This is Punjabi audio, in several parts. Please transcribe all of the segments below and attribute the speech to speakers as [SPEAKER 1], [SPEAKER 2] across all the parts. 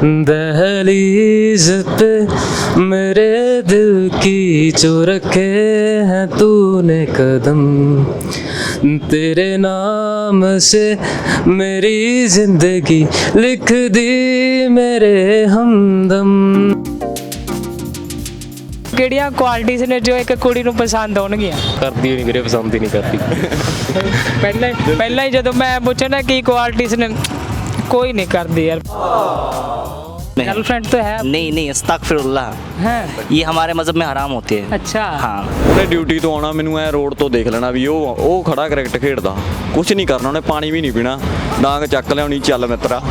[SPEAKER 1] दहलीज पे मेरे दिल की जो रखे हैं तूने कदम, तेरे नाम से मेरी जिंदगी लिख दी मेरे हमदम।
[SPEAKER 2] ਕਿਹੜੀਆਂ ਕੁਆਲਿਟੀਜ਼ ਨੇ ਜੋ ਇੱਕ ਕੁੜੀ ਨੂੰ ਪਸੰਦ ਆਉਣਗੀਆਂ?
[SPEAKER 1] ਕਰਦੀ ਨਹੀਂ ਵੀਰੇ, ਪਸੰਦ ਹੀ ਨਹੀਂ ਕਰਦੀ।
[SPEAKER 2] ਪਹਿਲਾਂ ਹੀ ਜਦੋਂ ਮੈਂ ਪੁੱਛਣਾ ਕੀ ਕੁਆਲਿਟੀਜ਼ ने कोई नहीं करती यार। गर्लफ्रेंड तो है?
[SPEAKER 3] नहीं अस्तगफिरुल्लाह
[SPEAKER 2] है।
[SPEAKER 3] ये हमारे मज़हब में हराम होती है।
[SPEAKER 2] अच्छा
[SPEAKER 3] हाँ।
[SPEAKER 4] ਉਹਨੇ ਡਿਊਟੀ ਤੋਂ ਆਉਣਾ, ਮੈਨੂੰ ਐ ਰੋਡ ਤੋਂ ਦੇਖ ਲੈਣਾ ਵੀ ਉਹ ਖੜਾ ਕ੍ਰਿਕਟ ਖੇਡਦਾ, ਕੁਝ ਨਹੀਂ ਕਰਨਾ ਉਹਨੇ, ਪਾਣੀ ਵੀ ਨਹੀਂ ਪੀਣਾ, ਡਾਂਗ ਚੱਕ ਲਿਆਉਣੀ, ਚੱਲ ਮਿੱਤਰਾ।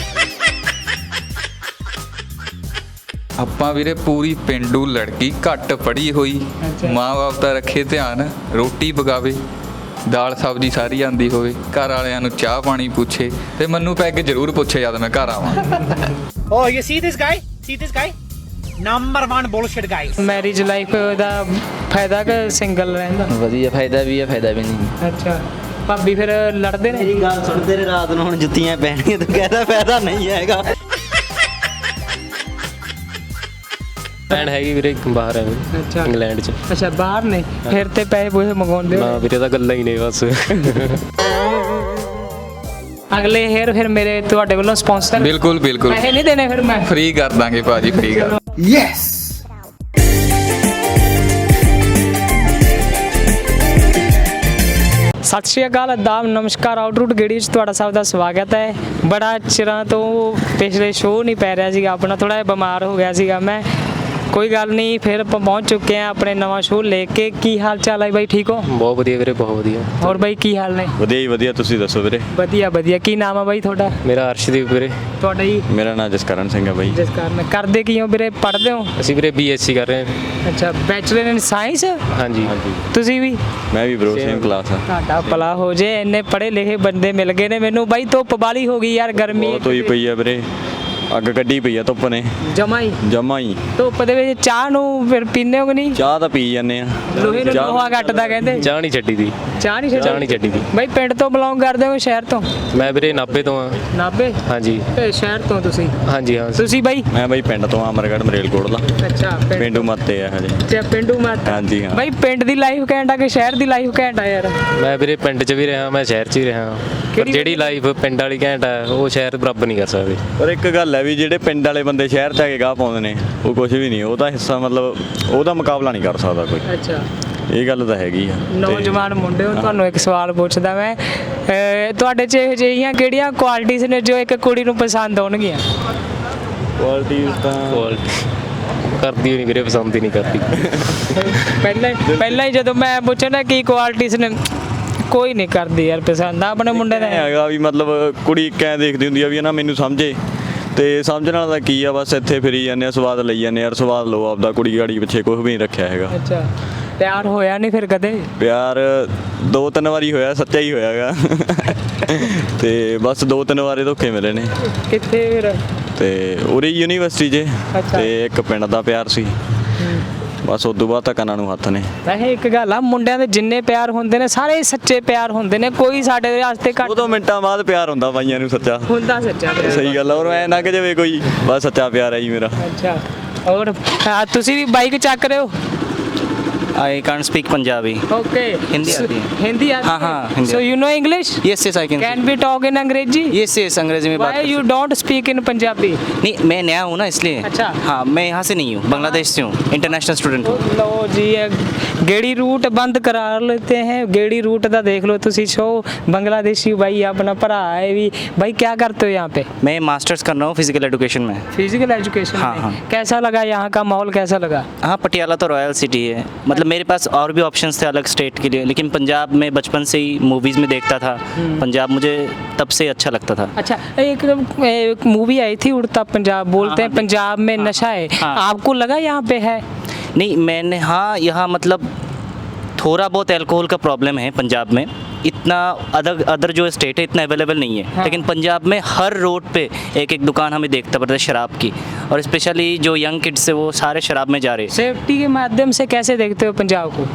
[SPEAKER 5] ਆਪਾਂ ਵੀਰੇ ਪੂਰੀ ਪਿੰਡੂ ਲੜਕੀ, ਘੱਟ ਪੜ੍ਹੀ ਹੋਈ, ਮਾਂ-ਬਾਪ ਦਾ ਰੱਖੇ ਧਿਆਨ, ਰੋਟੀ ਪਕਾਵੇ, ਦਾਲ ਸਬਜ਼ੀ ਸਾਰੀ ਆਂਦੀ ਹੋਵੇ, ਘਰ ਵਾਲਿਆਂ ਨੂੰ ਚਾਹ ਪਾਣੀ ਪੁੱਛੇ ਤੇ ਮੈਨੂੰ ਪੈਗ ਜ਼ਰੂਰ ਪੁੱਛੇ ਜਦ ਮੈਂ ਘਰ ਆਵਾਂ।
[SPEAKER 6] Oh, you see this guy? See this guy? Number one bullshit guy.
[SPEAKER 2] Marriage life ਦਾ ਫਾਇਦਾ ਕਿ ਸਿੰਗਲ ਰਹਿੰਦਾ?
[SPEAKER 3] ਵਧੀਆ ਫਾਇਦਾ ਵੀ ਹੈ, ਫਾਇਦਾ ਵੀ ਨਹੀਂ।
[SPEAKER 2] ਅੱਛਾ, ਭਾਬੀ ਫਿਰ ਲੜਦੇ ਨੇ?
[SPEAKER 3] ਮੇਰੀ ਗੱਲ ਸੁਣ, ਤੇਰੇ ਰਾਤ ਨੂੰ ਹੁਣ ਜੁੱਤੀਆਂ ਪੈਣੀਆਂ, ਤੂੰ ਕਹਿੰਦਾ ਫਾਇਦਾ ਨਹੀਂ ਹੈਗਾ।
[SPEAKER 1] ਭੈਣ ਹੈਗੀ ਵੀਰੇ, ਬਾਹਰ ਹੈ
[SPEAKER 2] ਅੱਛਾ
[SPEAKER 1] ਇੰਗਲੈਂਡ 'ਚ।
[SPEAKER 2] ਅੱਛਾ, ਬਾਹਰ ਨੇ, ਫਿਰ ਤੇ ਪੈਸੇ ਪੂਸੇ ਮੰਗਾਉਂਦੇ
[SPEAKER 1] ਨਾ
[SPEAKER 2] ਹੋ?
[SPEAKER 1] ਵੀਰੇ ਤਾਂ ਗੱਲਾਂ ਹੀ ਨੇ ਬਸ।
[SPEAKER 2] ਅਗਲੇ ਹੇਅਰ ਫਿਰ ਮੇਰੇ ਤੁਹਾਡੇ ਵੱਲੋਂ ਸਪਾਂਸਰ?
[SPEAKER 5] ਬਿਲਕੁਲ ਬਿਲਕੁਲ
[SPEAKER 2] ਪੈਸੇ ਨਹੀਂ ਦੇਣੇ ਫਿਰ ਮੈਂ?
[SPEAKER 5] ਫ੍ਰੀ ਕਰ ਦਾਂਗੇ ਭਾਜੀ, ਫ੍ਰੀ ਕਰ।
[SPEAKER 2] ਸਤਿ ਸ਼੍ਰੀ ਅਕਾਲ, ਆਦਾਬ, ਨਮਸਕਾਰ। ਆਊਟਰੂਟ ਗੇੜੀ 'ਚ ਤੁਹਾਡਾ ਸਭ ਦਾ ਸਵਾਗਤ ਹੈ। ਬੜਾ ਚਿਰਾਂ ਤੋਂ ਪਿਛਲੇ ਸ਼ੋਅ ਨਹੀਂ ਪੈ ਰਿਹਾ ਸੀਗਾ ਆਪਣਾ, ਥੋੜਾ ਜਿਹਾ ਬਿਮਾਰ ਹੋ ਗਿਆ ਸੀਗਾ ਮੈਂ। ਕੋਈ ਗੱਲ ਨਹੀਂ, ਫਿਰ ਆਪਾਂ ਪਹੁੰਚ ਚੁੱਕੇ ਹਾਂ ਆਪਣੇ ਨਵਾਂ ਸ਼ੋਅ ਲੈ ਕੇ। ਕੀ ਹਾਲ ਚਾਲ ਹੈ ਬਾਈ, ਠੀਕ ਹੋ?
[SPEAKER 1] ਬਹੁਤ ਵਧੀਆ ਵੀਰੇ, ਬਹੁਤ ਵਧੀਆ।
[SPEAKER 2] ਹੋਰ ਬਾਈ ਕੀ ਹਾਲ ਨੇ?
[SPEAKER 4] ਵਧੀਆ ਜੀ ਵਧੀਆ, ਤੁਸੀਂ ਦੱਸੋ ਵੀਰੇ?
[SPEAKER 2] ਵਧੀਆ ਵਧੀਆ। ਕੀ ਨਾਮ ਆ ਬਾਈ ਤੁਹਾਡਾ?
[SPEAKER 1] ਮੇਰਾ ਅਰਸ਼ਦੀਪ ਵੀਰੇ।
[SPEAKER 2] ਤੁਹਾਡਾ ਜੀ?
[SPEAKER 4] ਮੇਰਾ ਨਾਮ ਜਸਕਰਨ ਸਿੰਘ ਹੈ ਬਾਈ।
[SPEAKER 2] ਜਿਸ ਕਾਰਨ ਕਰਦੇ ਕੀ ਹੋ ਵੀਰੇ, ਪੜ੍ਹਦੇ ਹੋ?
[SPEAKER 1] ਅਸੀਂ ਵੀਰੇ BSc ਕਰ ਰਹੇ ਹਾਂ।
[SPEAKER 2] ਅੱਛਾ, ਬੈਚਲਰ ਇਨ ਸਾਇੰਸ?
[SPEAKER 1] ਹਾਂਜੀ।
[SPEAKER 2] ਤੁਸੀਂ ਵੀ?
[SPEAKER 4] ਮੈਂ ਵੀ ਬ్రో, ਸੇਮ ਕਲਾਸ ਆ।
[SPEAKER 2] ਤੁਹਾਡਾ ਭਲਾ ਹੋ ਜੇ, ਇੰਨੇ ਪੜ੍ਹੇ ਲਿਖੇ ਬੰਦੇ ਮਿਲ ਗਏ ਨੇ ਮੈਨੂੰ ਬਾਈ। ਧੁੱਪ ਬਾਲੀ ਹੋ ਗਈ ਯਾਰ, ਗਰਮੀ
[SPEAKER 4] ਬਹੁਤ ਹੋਈ ਪਈ ਆ ਵੀਰੇ, ਅੱਗ ਕੱਢੀ ਪਈ ਆ ਧੁੱਪ ਨੇ
[SPEAKER 2] ਜਮਾ ਹੀ। ਧੁੱਪ ਦੇ ਵਿੱਚ ਚਾਹ ਨੂੰ ਫਿਰ ਪੀਂਦੇ ਹੋ ਕਿ ਨਹੀਂ?
[SPEAKER 4] ਚਾਹ ਤਾਂ ਪੀ ਜਾਂਦੇ ਆ।
[SPEAKER 2] ਲੋਹੇ ਨੂੰ ਲੋਹਾ ਘੱਟਦਾ ਕਹਿੰਦੇ।
[SPEAKER 1] ਚਾਹ ਨਹੀਂ ਛੱਡੀ ਦੀ।
[SPEAKER 2] ਚਾਹ ਨਹੀਂ
[SPEAKER 1] ਛੱਡੀ ਦੀ।
[SPEAKER 2] ਬਾਈ ਪਿੰਡ ਤੋਂ ਬਿਲੋਂਗ ਕਰਦੇ ਹੋ ਸ਼ਹਿਰ ਤੋਂ?
[SPEAKER 1] ਮੈਂ ਵੀਰੇ ਨਾਭੇ ਤੋਂ ਆ।
[SPEAKER 2] ਨਾਭੇ?
[SPEAKER 1] ਹਾਂਜੀ।
[SPEAKER 2] ਤੇ ਸ਼ਹਿਰ ਤੋਂ ਤੁਸੀਂ?
[SPEAKER 1] ਹਾਂਜੀ ਹਾਂ।
[SPEAKER 2] ਤੁਸੀਂ ਬਾਈ?
[SPEAKER 4] ਮੈਂ ਬਾਈ ਪਿੰਡ ਤੋਂ, ਅਮਰਗੜ੍ਹ ਮਰੇਲਕੋਟਲਾ।
[SPEAKER 2] ਅੱਛਾ,
[SPEAKER 4] ਪਿੰਡੂ ਮੱਤੇ ਆ ਹਜੇ।
[SPEAKER 2] ਅੱਛਾ, ਪਿੰਡੂ ਮੱਤ।
[SPEAKER 4] ਹਾਂਜੀ ਹਾਂ।
[SPEAKER 2] ਬਾਈ ਪਿੰਡ ਦੀ ਲਾਈਫ ਘੈਂਟ ਆ ਕਿ ਸ਼ਹਿਰ ਦੀ ਲਾਈਫ ਘੈਂਟ ਆ ਯਾਰ?
[SPEAKER 1] ਮੈਂ ਵੀਰੇ ਪਿੰਡ 'ਚ ਵੀ ਰਿਹਾ, ਮੈਂ ਸ਼ਹਿਰ 'ਚ ਵੀ ਰਿਹਾ, ਪਰ ਜਿਹੜੀ ਲਾਈਫ ਪਿੰਡ ਵਾਲੀ ਘੈਂਟ ਆ ਉਹ ਸ਼ਹਿਰ ਬਰਾਬਰ ਨਹੀਂ ਕਰ ਸਕਦੇ।
[SPEAKER 4] ਪਰ ਇੱਕ ਗੱਲ ਹੈ ਵੀ ਜਿਹੜੇ ਪਿੰਡ ਵਾਲੇ ਬੰਦੇ ਸ਼ਹਿਰ 'ਚ ਆ ਕੇ ਗਾਹ ਪਾਉਂਦੇ ਨੇ, ਉਹ ਕੁਝ ਵੀ ਨਹੀਂ, ਉਹਦਾ ਹਿੱਸਾ ਮਤਲਬ ਉਹਦਾ ਮੁਕਾਬਲਾ ਨਹੀਂ ਕਰ ਸਕਦਾ ਕੋਈ।
[SPEAKER 2] ਅੱਛਾ,
[SPEAKER 4] ਇਹ ਗੱਲ ਤਾਂ ਹੈਗੀ ਆ।
[SPEAKER 2] ਨੌਜਵਾਨ ਮੁੰਡੇ ਹੋ, ਤੁਹਾਨੂੰ ਇੱਕ ਸਵਾਲ ਪੁੱਛਦਾ ਮੈਂ, ਤੁਹਾਡੇ 'ਚ ਇਹੋ ਜਿਹੀਆਂ ਕਿਹੜੀਆਂ ਕੁਆਲਿਟੀਜ਼ ਨੇ ਜੋ ਇੱਕ ਕੁੜੀ ਨੂੰ ਪਸੰਦ ਆਉਣਗੀਆਂ?
[SPEAKER 4] ਕੁਆਲਿਟੀਜ਼ ਤਾਂ
[SPEAKER 1] ਕਰਦੀ ਨਹੀਂ ਵੀਰੇ, ਪਸੰਦ ਹੀ ਨਹੀਂ ਕਰਦੀ।
[SPEAKER 2] ਪਹਿਲਾਂ ਹੀ ਜਦੋਂ ਮੈਂ ਪੁੱਛਣਾ ਕੀ ਕੁਆਲਿਟੀਜ਼ ਨੇ, ਕੋਈ ਨਹੀਂ ਕਰਦੀ ਯਾਰ ਪਸੰਦ ਆਪਣੇ ਮੁੰਡੇ ਦਾ।
[SPEAKER 4] ਹੈਗਾ ਵੀ ਮਤਲਬ ਕੁੜੀ ਕਿਵੇਂ ਦੇਖਦੀ ਹੁੰਦੀ ਆ ਵੀ ਨਾ ਮੈਨੂੰ ਸਮਝੇ, ਤੇ ਸਮਝਣ ਵਾਲਾ ਤਾਂ ਕੀ ਆ, ਬਸ ਇੱਥੇ ਫਿਰੀ ਜਾਂਦੇ ਆ, ਸਵਾਦ ਲਈ ਜਾਂਦੇ ਯਾਰ, ਸਵਾਦ ਲਓ ਆਪਦਾ, ਕੁੜੀ ਗਾੜੀ ਪਿੱਛੇ ਕੁਝ ਵੀ ਨਹੀਂ ਰੱਖਿਆ ਹੈਗਾ।
[SPEAKER 2] ਅੱਛਾ, ਪਿਆਰ ਹੋਇਆ ਨਹੀਂ ਫਿਰ ਕਦੇ?
[SPEAKER 4] ਪਿਆਰ 2-3 ਵਾਰੀ ਹੋਇਆ, ਸੱਚਾ ਹੀ ਹੋਇਆਗਾ। ਤੇ ਬਸ 2-3 ਵਾਰੇ ਧੋਖੇ ਮਿਲੇ ਨੇ।
[SPEAKER 2] ਕਿੱਥੇ ਫਿਰ?
[SPEAKER 4] ਤੇ ਉਰੇ ਯੂਨੀਵਰਸਿਟੀ 'ਚ, ਤੇ ਇੱਕ ਪਿੰਡ ਦਾ ਪਿਆਰ ਸੀ, ਬਸ ਉਦੋਂ ਬਾਅਦ ਤਾਂ ਕੰਨਾਂ ਨੂੰ ਹੱਥ ਨੇ।
[SPEAKER 2] ਵੈਸੇ ਇੱਕ ਗੱਲ ਆ, ਮੁੰਡਿਆਂ ਦੇ ਜਿੰਨੇ ਪਿਆਰ ਹੁੰਦੇ ਨੇ ਸਾਰੇ ਸੱਚੇ ਪਿਆਰ ਹੁੰਦੇ ਨੇ, ਕੋਈ ਸਾਡੇ ਵਾਸਤੇ ਘੱਟ
[SPEAKER 4] 2 ਮਿੰਟਾਂ ਬਾਅਦ ਪਿਆਰ ਹੁੰਦਾ ਬਾਈਆਂ ਨੂੰ ਸੱਚਾ।
[SPEAKER 2] ਹੁੰਦਾ ਸੱਚਾ ਪਿਆਰ।
[SPEAKER 4] ਸਹੀ ਗੱਲ ਆ, ਔਰ ਐ ਲੰਘ ਜਾਵੇ ਕੋਈ, ਬਸ ਸੱਚਾ ਪਿਆਰ ਹੈ ਜੀ ਮੇਰਾ।
[SPEAKER 2] ਅੱਛਾ, ਔਰ ਤੁਸੀਂ ਵੀ ਬਾਈਕ ਚੱਕ ਰਹੇ ਹੋ?
[SPEAKER 3] I can't speak Punjabi.
[SPEAKER 2] Okay.
[SPEAKER 3] Hindi आती है?
[SPEAKER 2] हिंदी आती
[SPEAKER 3] हाँ, हाँ,
[SPEAKER 2] है?
[SPEAKER 3] Hindi
[SPEAKER 2] So you know English?
[SPEAKER 3] Yes, I can.
[SPEAKER 2] Can we talk in अंग्रेजी?
[SPEAKER 3] Yes, अंग्रेजी में बात
[SPEAKER 2] Why
[SPEAKER 3] कर
[SPEAKER 2] you don't speak in Punjabi?
[SPEAKER 3] नहीं, मैं नया हूँ ना इसलिए।
[SPEAKER 2] अच्छा।
[SPEAKER 3] हाँ, मैं यहाँ से नहीं हूँ, बांग्लादेश से हूँ, इंटरनेशनल स्टूडेंट हूँ।
[SPEAKER 2] लो जी, गेड़ी रूट बंद करा लेते हैं। गेड़ी रूट का देख लो तुसी शो। बांग्लादेशी भाई अपना भरा है भी। भाई क्या करते हो यहाँ पे?
[SPEAKER 3] मैं मास्टर्स कर रहा हूँ फिजिकल एजुकेशन में।
[SPEAKER 2] फिजिकल एजुकेशन
[SPEAKER 3] हाँ,
[SPEAKER 2] में।
[SPEAKER 3] हाँ।
[SPEAKER 2] कैसा लगा यहाँ का माहौल, कैसा लगा?
[SPEAKER 3] हाँ, पटियाला तो रॉयल सिटी है, मतलब मेरे पास और भी ऑप्शंस थे अलग स्टेट के लिए, लेकिन पंजाब में बचपन से ही मूवीज़ में देखता था, पंजाब मुझे तब से अच्छा लगता था।
[SPEAKER 2] अच्छा, एक मूवी आई थी उड़ता पंजाब, बोलते हैं पंजाब में नशा है, आपको लगा यहाँ पे है?
[SPEAKER 3] नहीं, मैंने हाँ यहाँ मतलब थोड़ा बहुत अल्कोहल का प्रॉब्लम है पंजाब में, इतना अदर जो स्टेट है इतना अवेलेबल नहीं है। हाँ। लेकिन पंजाब में हर रोड पे एक एक दुकान हमें देखता पड़ता है शराब की, और स्पेशली जो यंग किड्स है वो सारे शराब में जा रहे हैं।
[SPEAKER 2] सेफ्टी के माध्यम से कैसे देखते हो पंजाब को?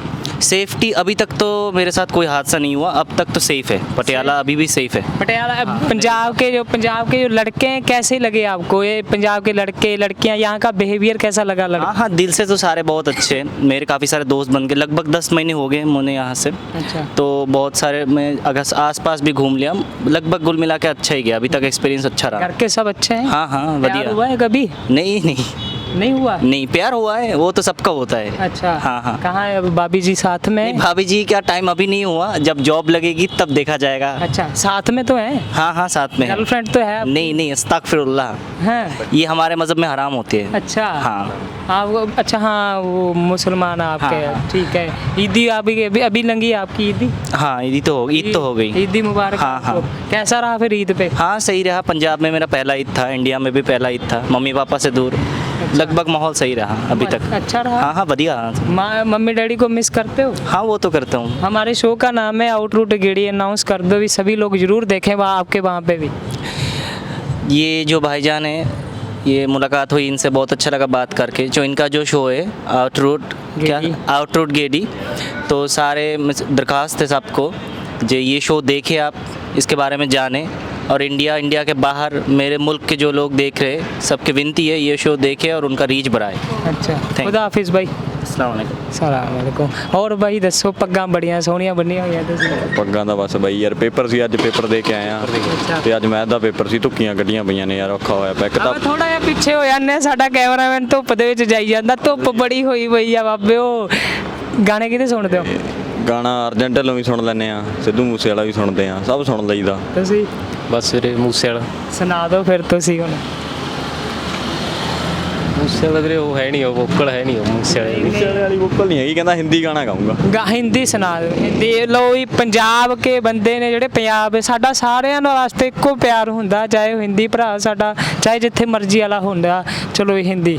[SPEAKER 3] सेफ्टी अभी तक तो मेरे साथ कोई हादसा नहीं हुआ, अब तक तो सेफ है पटियाला, अभी भी सेफ है।
[SPEAKER 2] पटियाला पंजाब के जो लड़के हैं कैसे लगे आपको, ये पंजाब के लड़के लड़कियां, यहाँ का बिहेवियर कैसा लगा
[SPEAKER 3] हाँ हाँ, दिल से तो सारे बहुत अच्छे हैं, मेरे काफ़ी सारे दोस्त बन गए, लगभग 10 महीने हो गए मुझे यहाँ से।
[SPEAKER 2] अच्छा।
[SPEAKER 3] तो बहुत सारे मैं अगर आसपास भी घूम लिया, लगभग कुल मिला के अच्छा ही गया, अभी तक एक्सपीरियंस अच्छा रहा।
[SPEAKER 2] घर के सब अच्छे हैं?
[SPEAKER 3] हाँ हाँ,
[SPEAKER 2] प्यार
[SPEAKER 3] बढ़िया।
[SPEAKER 2] हुआ है कभी?
[SPEAKER 3] नहीं नहीं
[SPEAKER 2] नहीं हुआ?
[SPEAKER 3] नहीं, प्यार हुआ है वो तो सबका होता है।
[SPEAKER 2] अच्छा।
[SPEAKER 3] हाँ हाँ।
[SPEAKER 2] कहाँ है अब भाभी जी साथ में?
[SPEAKER 3] नहीं, भाभी जी का टाइम अभी नहीं हुआ, जब जॉब लगेगी तब देखा जाएगा।
[SPEAKER 2] अच्छा, साथ में तो है?
[SPEAKER 3] हाँ हाँ, साथ में है।
[SPEAKER 2] गर्लफ्रेंड तो है आपकी?
[SPEAKER 3] नहीं नहीं, अस्तगफिरुल्लाह,
[SPEAKER 2] है?
[SPEAKER 3] ये हमारे मजहब में हराम होती है।
[SPEAKER 2] अच्छा।
[SPEAKER 3] हाँ।
[SPEAKER 2] हाँ वो, अच्छा हाँ वो मुसलमान आपके,
[SPEAKER 3] हाँ, हाँ।
[SPEAKER 2] ठीक है। ईदी अभी लंगी है आपकी ईदी?
[SPEAKER 3] हाँ, ईद तो हो गई।
[SPEAKER 2] ईदी मुबारक
[SPEAKER 3] हाँ,
[SPEAKER 2] आपको।
[SPEAKER 3] हाँ।
[SPEAKER 2] कैसा रहा फिर ईद पे?
[SPEAKER 3] हाँ, सही रहा। पंजाब में मेरा पहला ईद था, इंडिया में भी पहला ईद था, मम्मी पापा से दूर। लगभग माहौल सही रहा अभी तक।
[SPEAKER 2] अच्छा रहा?
[SPEAKER 3] हाँ हाँ, बढ़िया।
[SPEAKER 2] मम्मी डैडी को मिस करते हो?
[SPEAKER 3] हाँ, वो तो करता हूँ।
[SPEAKER 2] हमारे शो का नाम है आउटरूट गेड़ी, अनाउंस कर दो भी, सभी लोग जरूर देखें वहाँ आपके वहाँ पे भी।
[SPEAKER 3] ये जो भाईजान है, ये मुलाकात हुई इनसे, बहुत अच्छा लगा बात करके। जो इनका जो शो है आउटरूट आउटरूट गेडी, तो सारे दरख्वास्त है सबको जो ये शो देखे, आप इसके बारे में जाने, और इंडिया के बाहर मेरे मुल्क के जो लोग देख रहे, सबकी विनती है ये शो देखे और उनका रीच बढ़ाए।
[SPEAKER 2] अच्छा,
[SPEAKER 3] you.
[SPEAKER 2] खुदा हाफिज भाई।
[SPEAKER 3] अस्सलाम वालेकुम।
[SPEAKER 2] ਸਲਾਮ ਵਾਲੇਕੁਮ। ਹੋਰ ਬਾਈ ਦੱਸੋ, ਪੱਗਾਂ ਬੜੀਆਂ ਸੋਹਣੀਆਂ ਬੰਨੀਆਂ ਹੋਈਆਂ ਤੁਸੀਂ।
[SPEAKER 4] ਪੱਗਾਂ ਦਾ ਬਸ ਬਾਈ ਯਾਰ, ਪੇਪਰ ਸੀ ਅੱਜ, ਪੇਪਰ ਦੇ ਕੇ ਆਏ ਆ, ਤੇ ਅੱਜ ਮੈਥ ਦਾ ਪੇਪਰ ਸੀ, ਧੁੱਕੀਆਂ ਕੱਢੀਆਂ ਪਈਆਂ ਨੇ ਯਾਰ, ਔਖਾ ਹੋਇਆ ਪਿਆ। ਇੱਕ ਤਾਂ
[SPEAKER 2] ਥੋੜਾ ਜਿਹਾ ਪਿੱਛੇ ਹੋ ਜਾਂਦੇ, ਸਾਡਾ ਕੈਮਰਾਮੈਨ ਧੁੱਪ ਦੇ ਵਿੱਚ ਜਾਈ ਜਾਂਦਾ, ਧੁੱਪ ਬੜੀ ਹੋਈ ਪਈ ਆ ਬਾਬਿਓ। ਗਾਣੇ ਕਿਹਦੇ ਸੁਣਦੇ ਹੋ
[SPEAKER 4] ਗਾਣਾ ਅਰਜੈਂਟ ਢਿੱਲੋਂ ਵੀ ਸੁਣ ਲੈਂਦੇ ਆ, ਸਿੱਧੂ ਮੂਸੇ ਵਾਲਾ ਵੀ ਸੁਣਦੇ ਆ, ਸਭ ਸੁਣ ਲਈਦਾ।
[SPEAKER 2] ਤੁਸੀਂ?
[SPEAKER 1] ਬਸ ਵੀਰੇ ਮੂਸੇ ਵਾਲਾ।
[SPEAKER 2] ਸੁਣਾ ਦਿਓ ਫਿਰ ਤੁਸੀਂ ਹੁਣ।
[SPEAKER 1] ਮੂਸੇ ਵਾਲਾ ਵੀਰੇ ਉਹ ਹੈ ਨਹੀਂ, ਉਹ ਵੋਕਲ ਹੈ ਨਹੀਂ ਉਹ ਮੂਸੇ ਵਾਲੇ ਦੀ।
[SPEAKER 4] ਮੂਸੇ ਵਾਲੀ ਵੋਕਲ ਨਹੀਂ ਹੈਗੀ, ਕਹਿੰਦਾ ਹਿੰਦੀ ਗਾਣਾ ਗਾਊਂਗਾ।
[SPEAKER 2] ਹਿੰਦੀ ਸੁਣਾ ਦਿਓ, ਹਿੰਦੀ। ਲਓ ਜੀ, ਪੰਜਾਬ ਕੇ ਬੰਦੇ ਨੇ ਜਿਹੜੇ ਪੰਜਾਬ, ਸਾਡਾ ਸਾਰਿਆਂ ਨਾਲ ਵਾਸਤੇ ਇੱਕੋ ਪਿਆਰ ਹੁੰਦਾ, ਚਾਹੇ ਉਹ ਹਿੰਦੀ ਭਰਾ ਸਾਡਾ, ਚਾਹੇ ਜਿੱਥੇ ਮਰਜ਼ੀ ਵਾਲਾ ਹੁੰਦਾ। ਚਲੋ ਇਹ ਹਿੰਦੀ।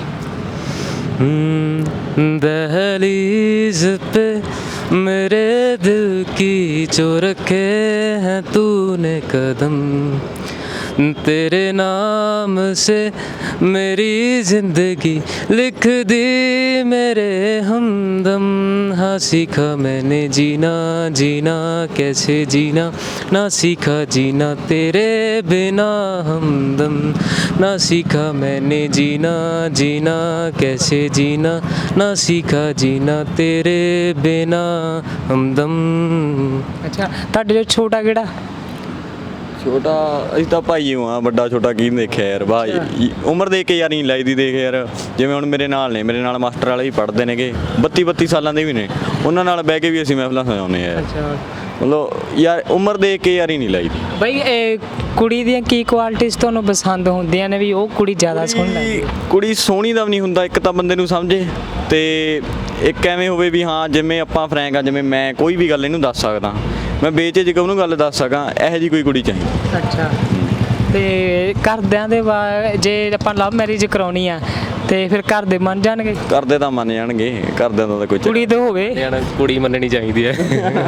[SPEAKER 1] दहलीज पे मेरे दिल की जो रखे हैं तूने कदम, तेरे नाम से मेरी जिंदगी लिख दी मेरे हमदम। हाँ, सीखा मैंने जीना जीना कैसे जीना, ना सीखा जीना तेरे बिना हमदम। ना सीखा मैंने जीना जीना कैसे जीना, ना सीखा जीना तेरे बिना हमदम।
[SPEAKER 2] ਅੱਛਾ, ਤੁਹਾਡੇ ਜੋ ਛੋਟਾ ਕਿਹੜਾ?
[SPEAKER 4] ਛੋਟਾ ਅਸੀਂ ਤਾਂ ਭਾਈ ਹਾਂ, ਵੱਡਾ ਛੋਟਾ ਕੀ ਦੇਖਿਆ ਯਾਰ ਭਾਈ, ਉਮਰ ਦੇਖ ਕੇ ਯਾਰ ਨਹੀਂ ਲਾਈਦੀ। ਦੇਖ ਯਾਰ, ਜਿਵੇਂ ਹੁਣ ਮੇਰੇ ਨਾਲ ਮਾਸਟਰ ਵਾਲੇ ਵੀ ਪੜ੍ਹਦੇ ਨੇਗੇ, 32 ਸਾਲਾਂ ਦੇ ਵੀ ਨੇ, ਉਹਨਾਂ ਨਾਲ ਬਹਿ ਕੇ ਵੀ ਅਸੀਂ ਮਹਿਫਲਾਂ ਸਜਾਉਂਦੇ ਆ ਯਾਰ।
[SPEAKER 2] ਅੱਛਾ
[SPEAKER 4] ਮਤਲਬ ਯਾਰ ਉਮਰ ਦੇਖ ਕੇ ਯਾਰ ਹੀ ਨਹੀਂ ਲਾਈਦੀ।
[SPEAKER 2] ਬਈ ਇਹ ਕੁੜੀ ਦੀਆਂ ਕੀ ਕੁਆਲਿਟੀਜ਼ ਤੁਹਾਨੂੰ ਪਸੰਦ ਹੁੰਦੀਆਂ ਨੇ ਵੀ ਉਹ ਕੁੜੀ ਜ਼ਿਆਦਾ ਸੋਹਣੀ ਲੱਗਦੀ?
[SPEAKER 4] ਕੁੜੀ ਸੋਹਣੀ ਦਾ ਵੀ ਨਹੀਂ ਹੁੰਦਾ, ਇੱਕ ਤਾਂ ਬੰਦੇ ਨੂੰ ਸਮਝੇ, ਤੇ ਇੱਕ ਐਵੇਂ ਹੋਵੇ ਵੀ ਹਾਂ ਜਿਵੇਂ ਆਪਾਂ ਫਰੈਂਕ ਆ, ਜਿਵੇਂ ਮੈਂ ਕੋਈ ਵੀ ਗੱਲ ਇਹਨੂੰ ਦੱਸ ਸਕਦਾ, ਮੈਂ ਬੇਝਿਜਕ ਉਹਨੂੰ ਗੱਲ ਦੱਸ ਸਕਾਂ, ਇਹੋ ਜਿਹੀ ਕੋਈ ਕੁੜੀ ਚਾਹੀਦੀ।
[SPEAKER 2] ਅੱਛਾ, ਤੇ ਘਰਦਿਆਂ ਦੇ ਜੇ ਆਪਾਂ ਲਵ ਮੈਰਿਜ ਕਰਾਉਣੀ ਆ ਤੇ ਫਿਰ ਘਰ ਦੇ ਮੰਨ ਜਾਣਗੇ?
[SPEAKER 4] ਕਰਦੇ ਤਾਂ ਮੰਨ ਜਾਣਗੇ, ਘਰਦਿਆਂ ਦਾ ਤਾਂ ਕੋਈ
[SPEAKER 2] ਕੁੜੀ ਤਾਂ ਹੋਵੇ।
[SPEAKER 1] ਯਾਰ ਕੁੜੀ ਮੰਨਣੀ ਚਾਹੀਦੀ ਹੈ।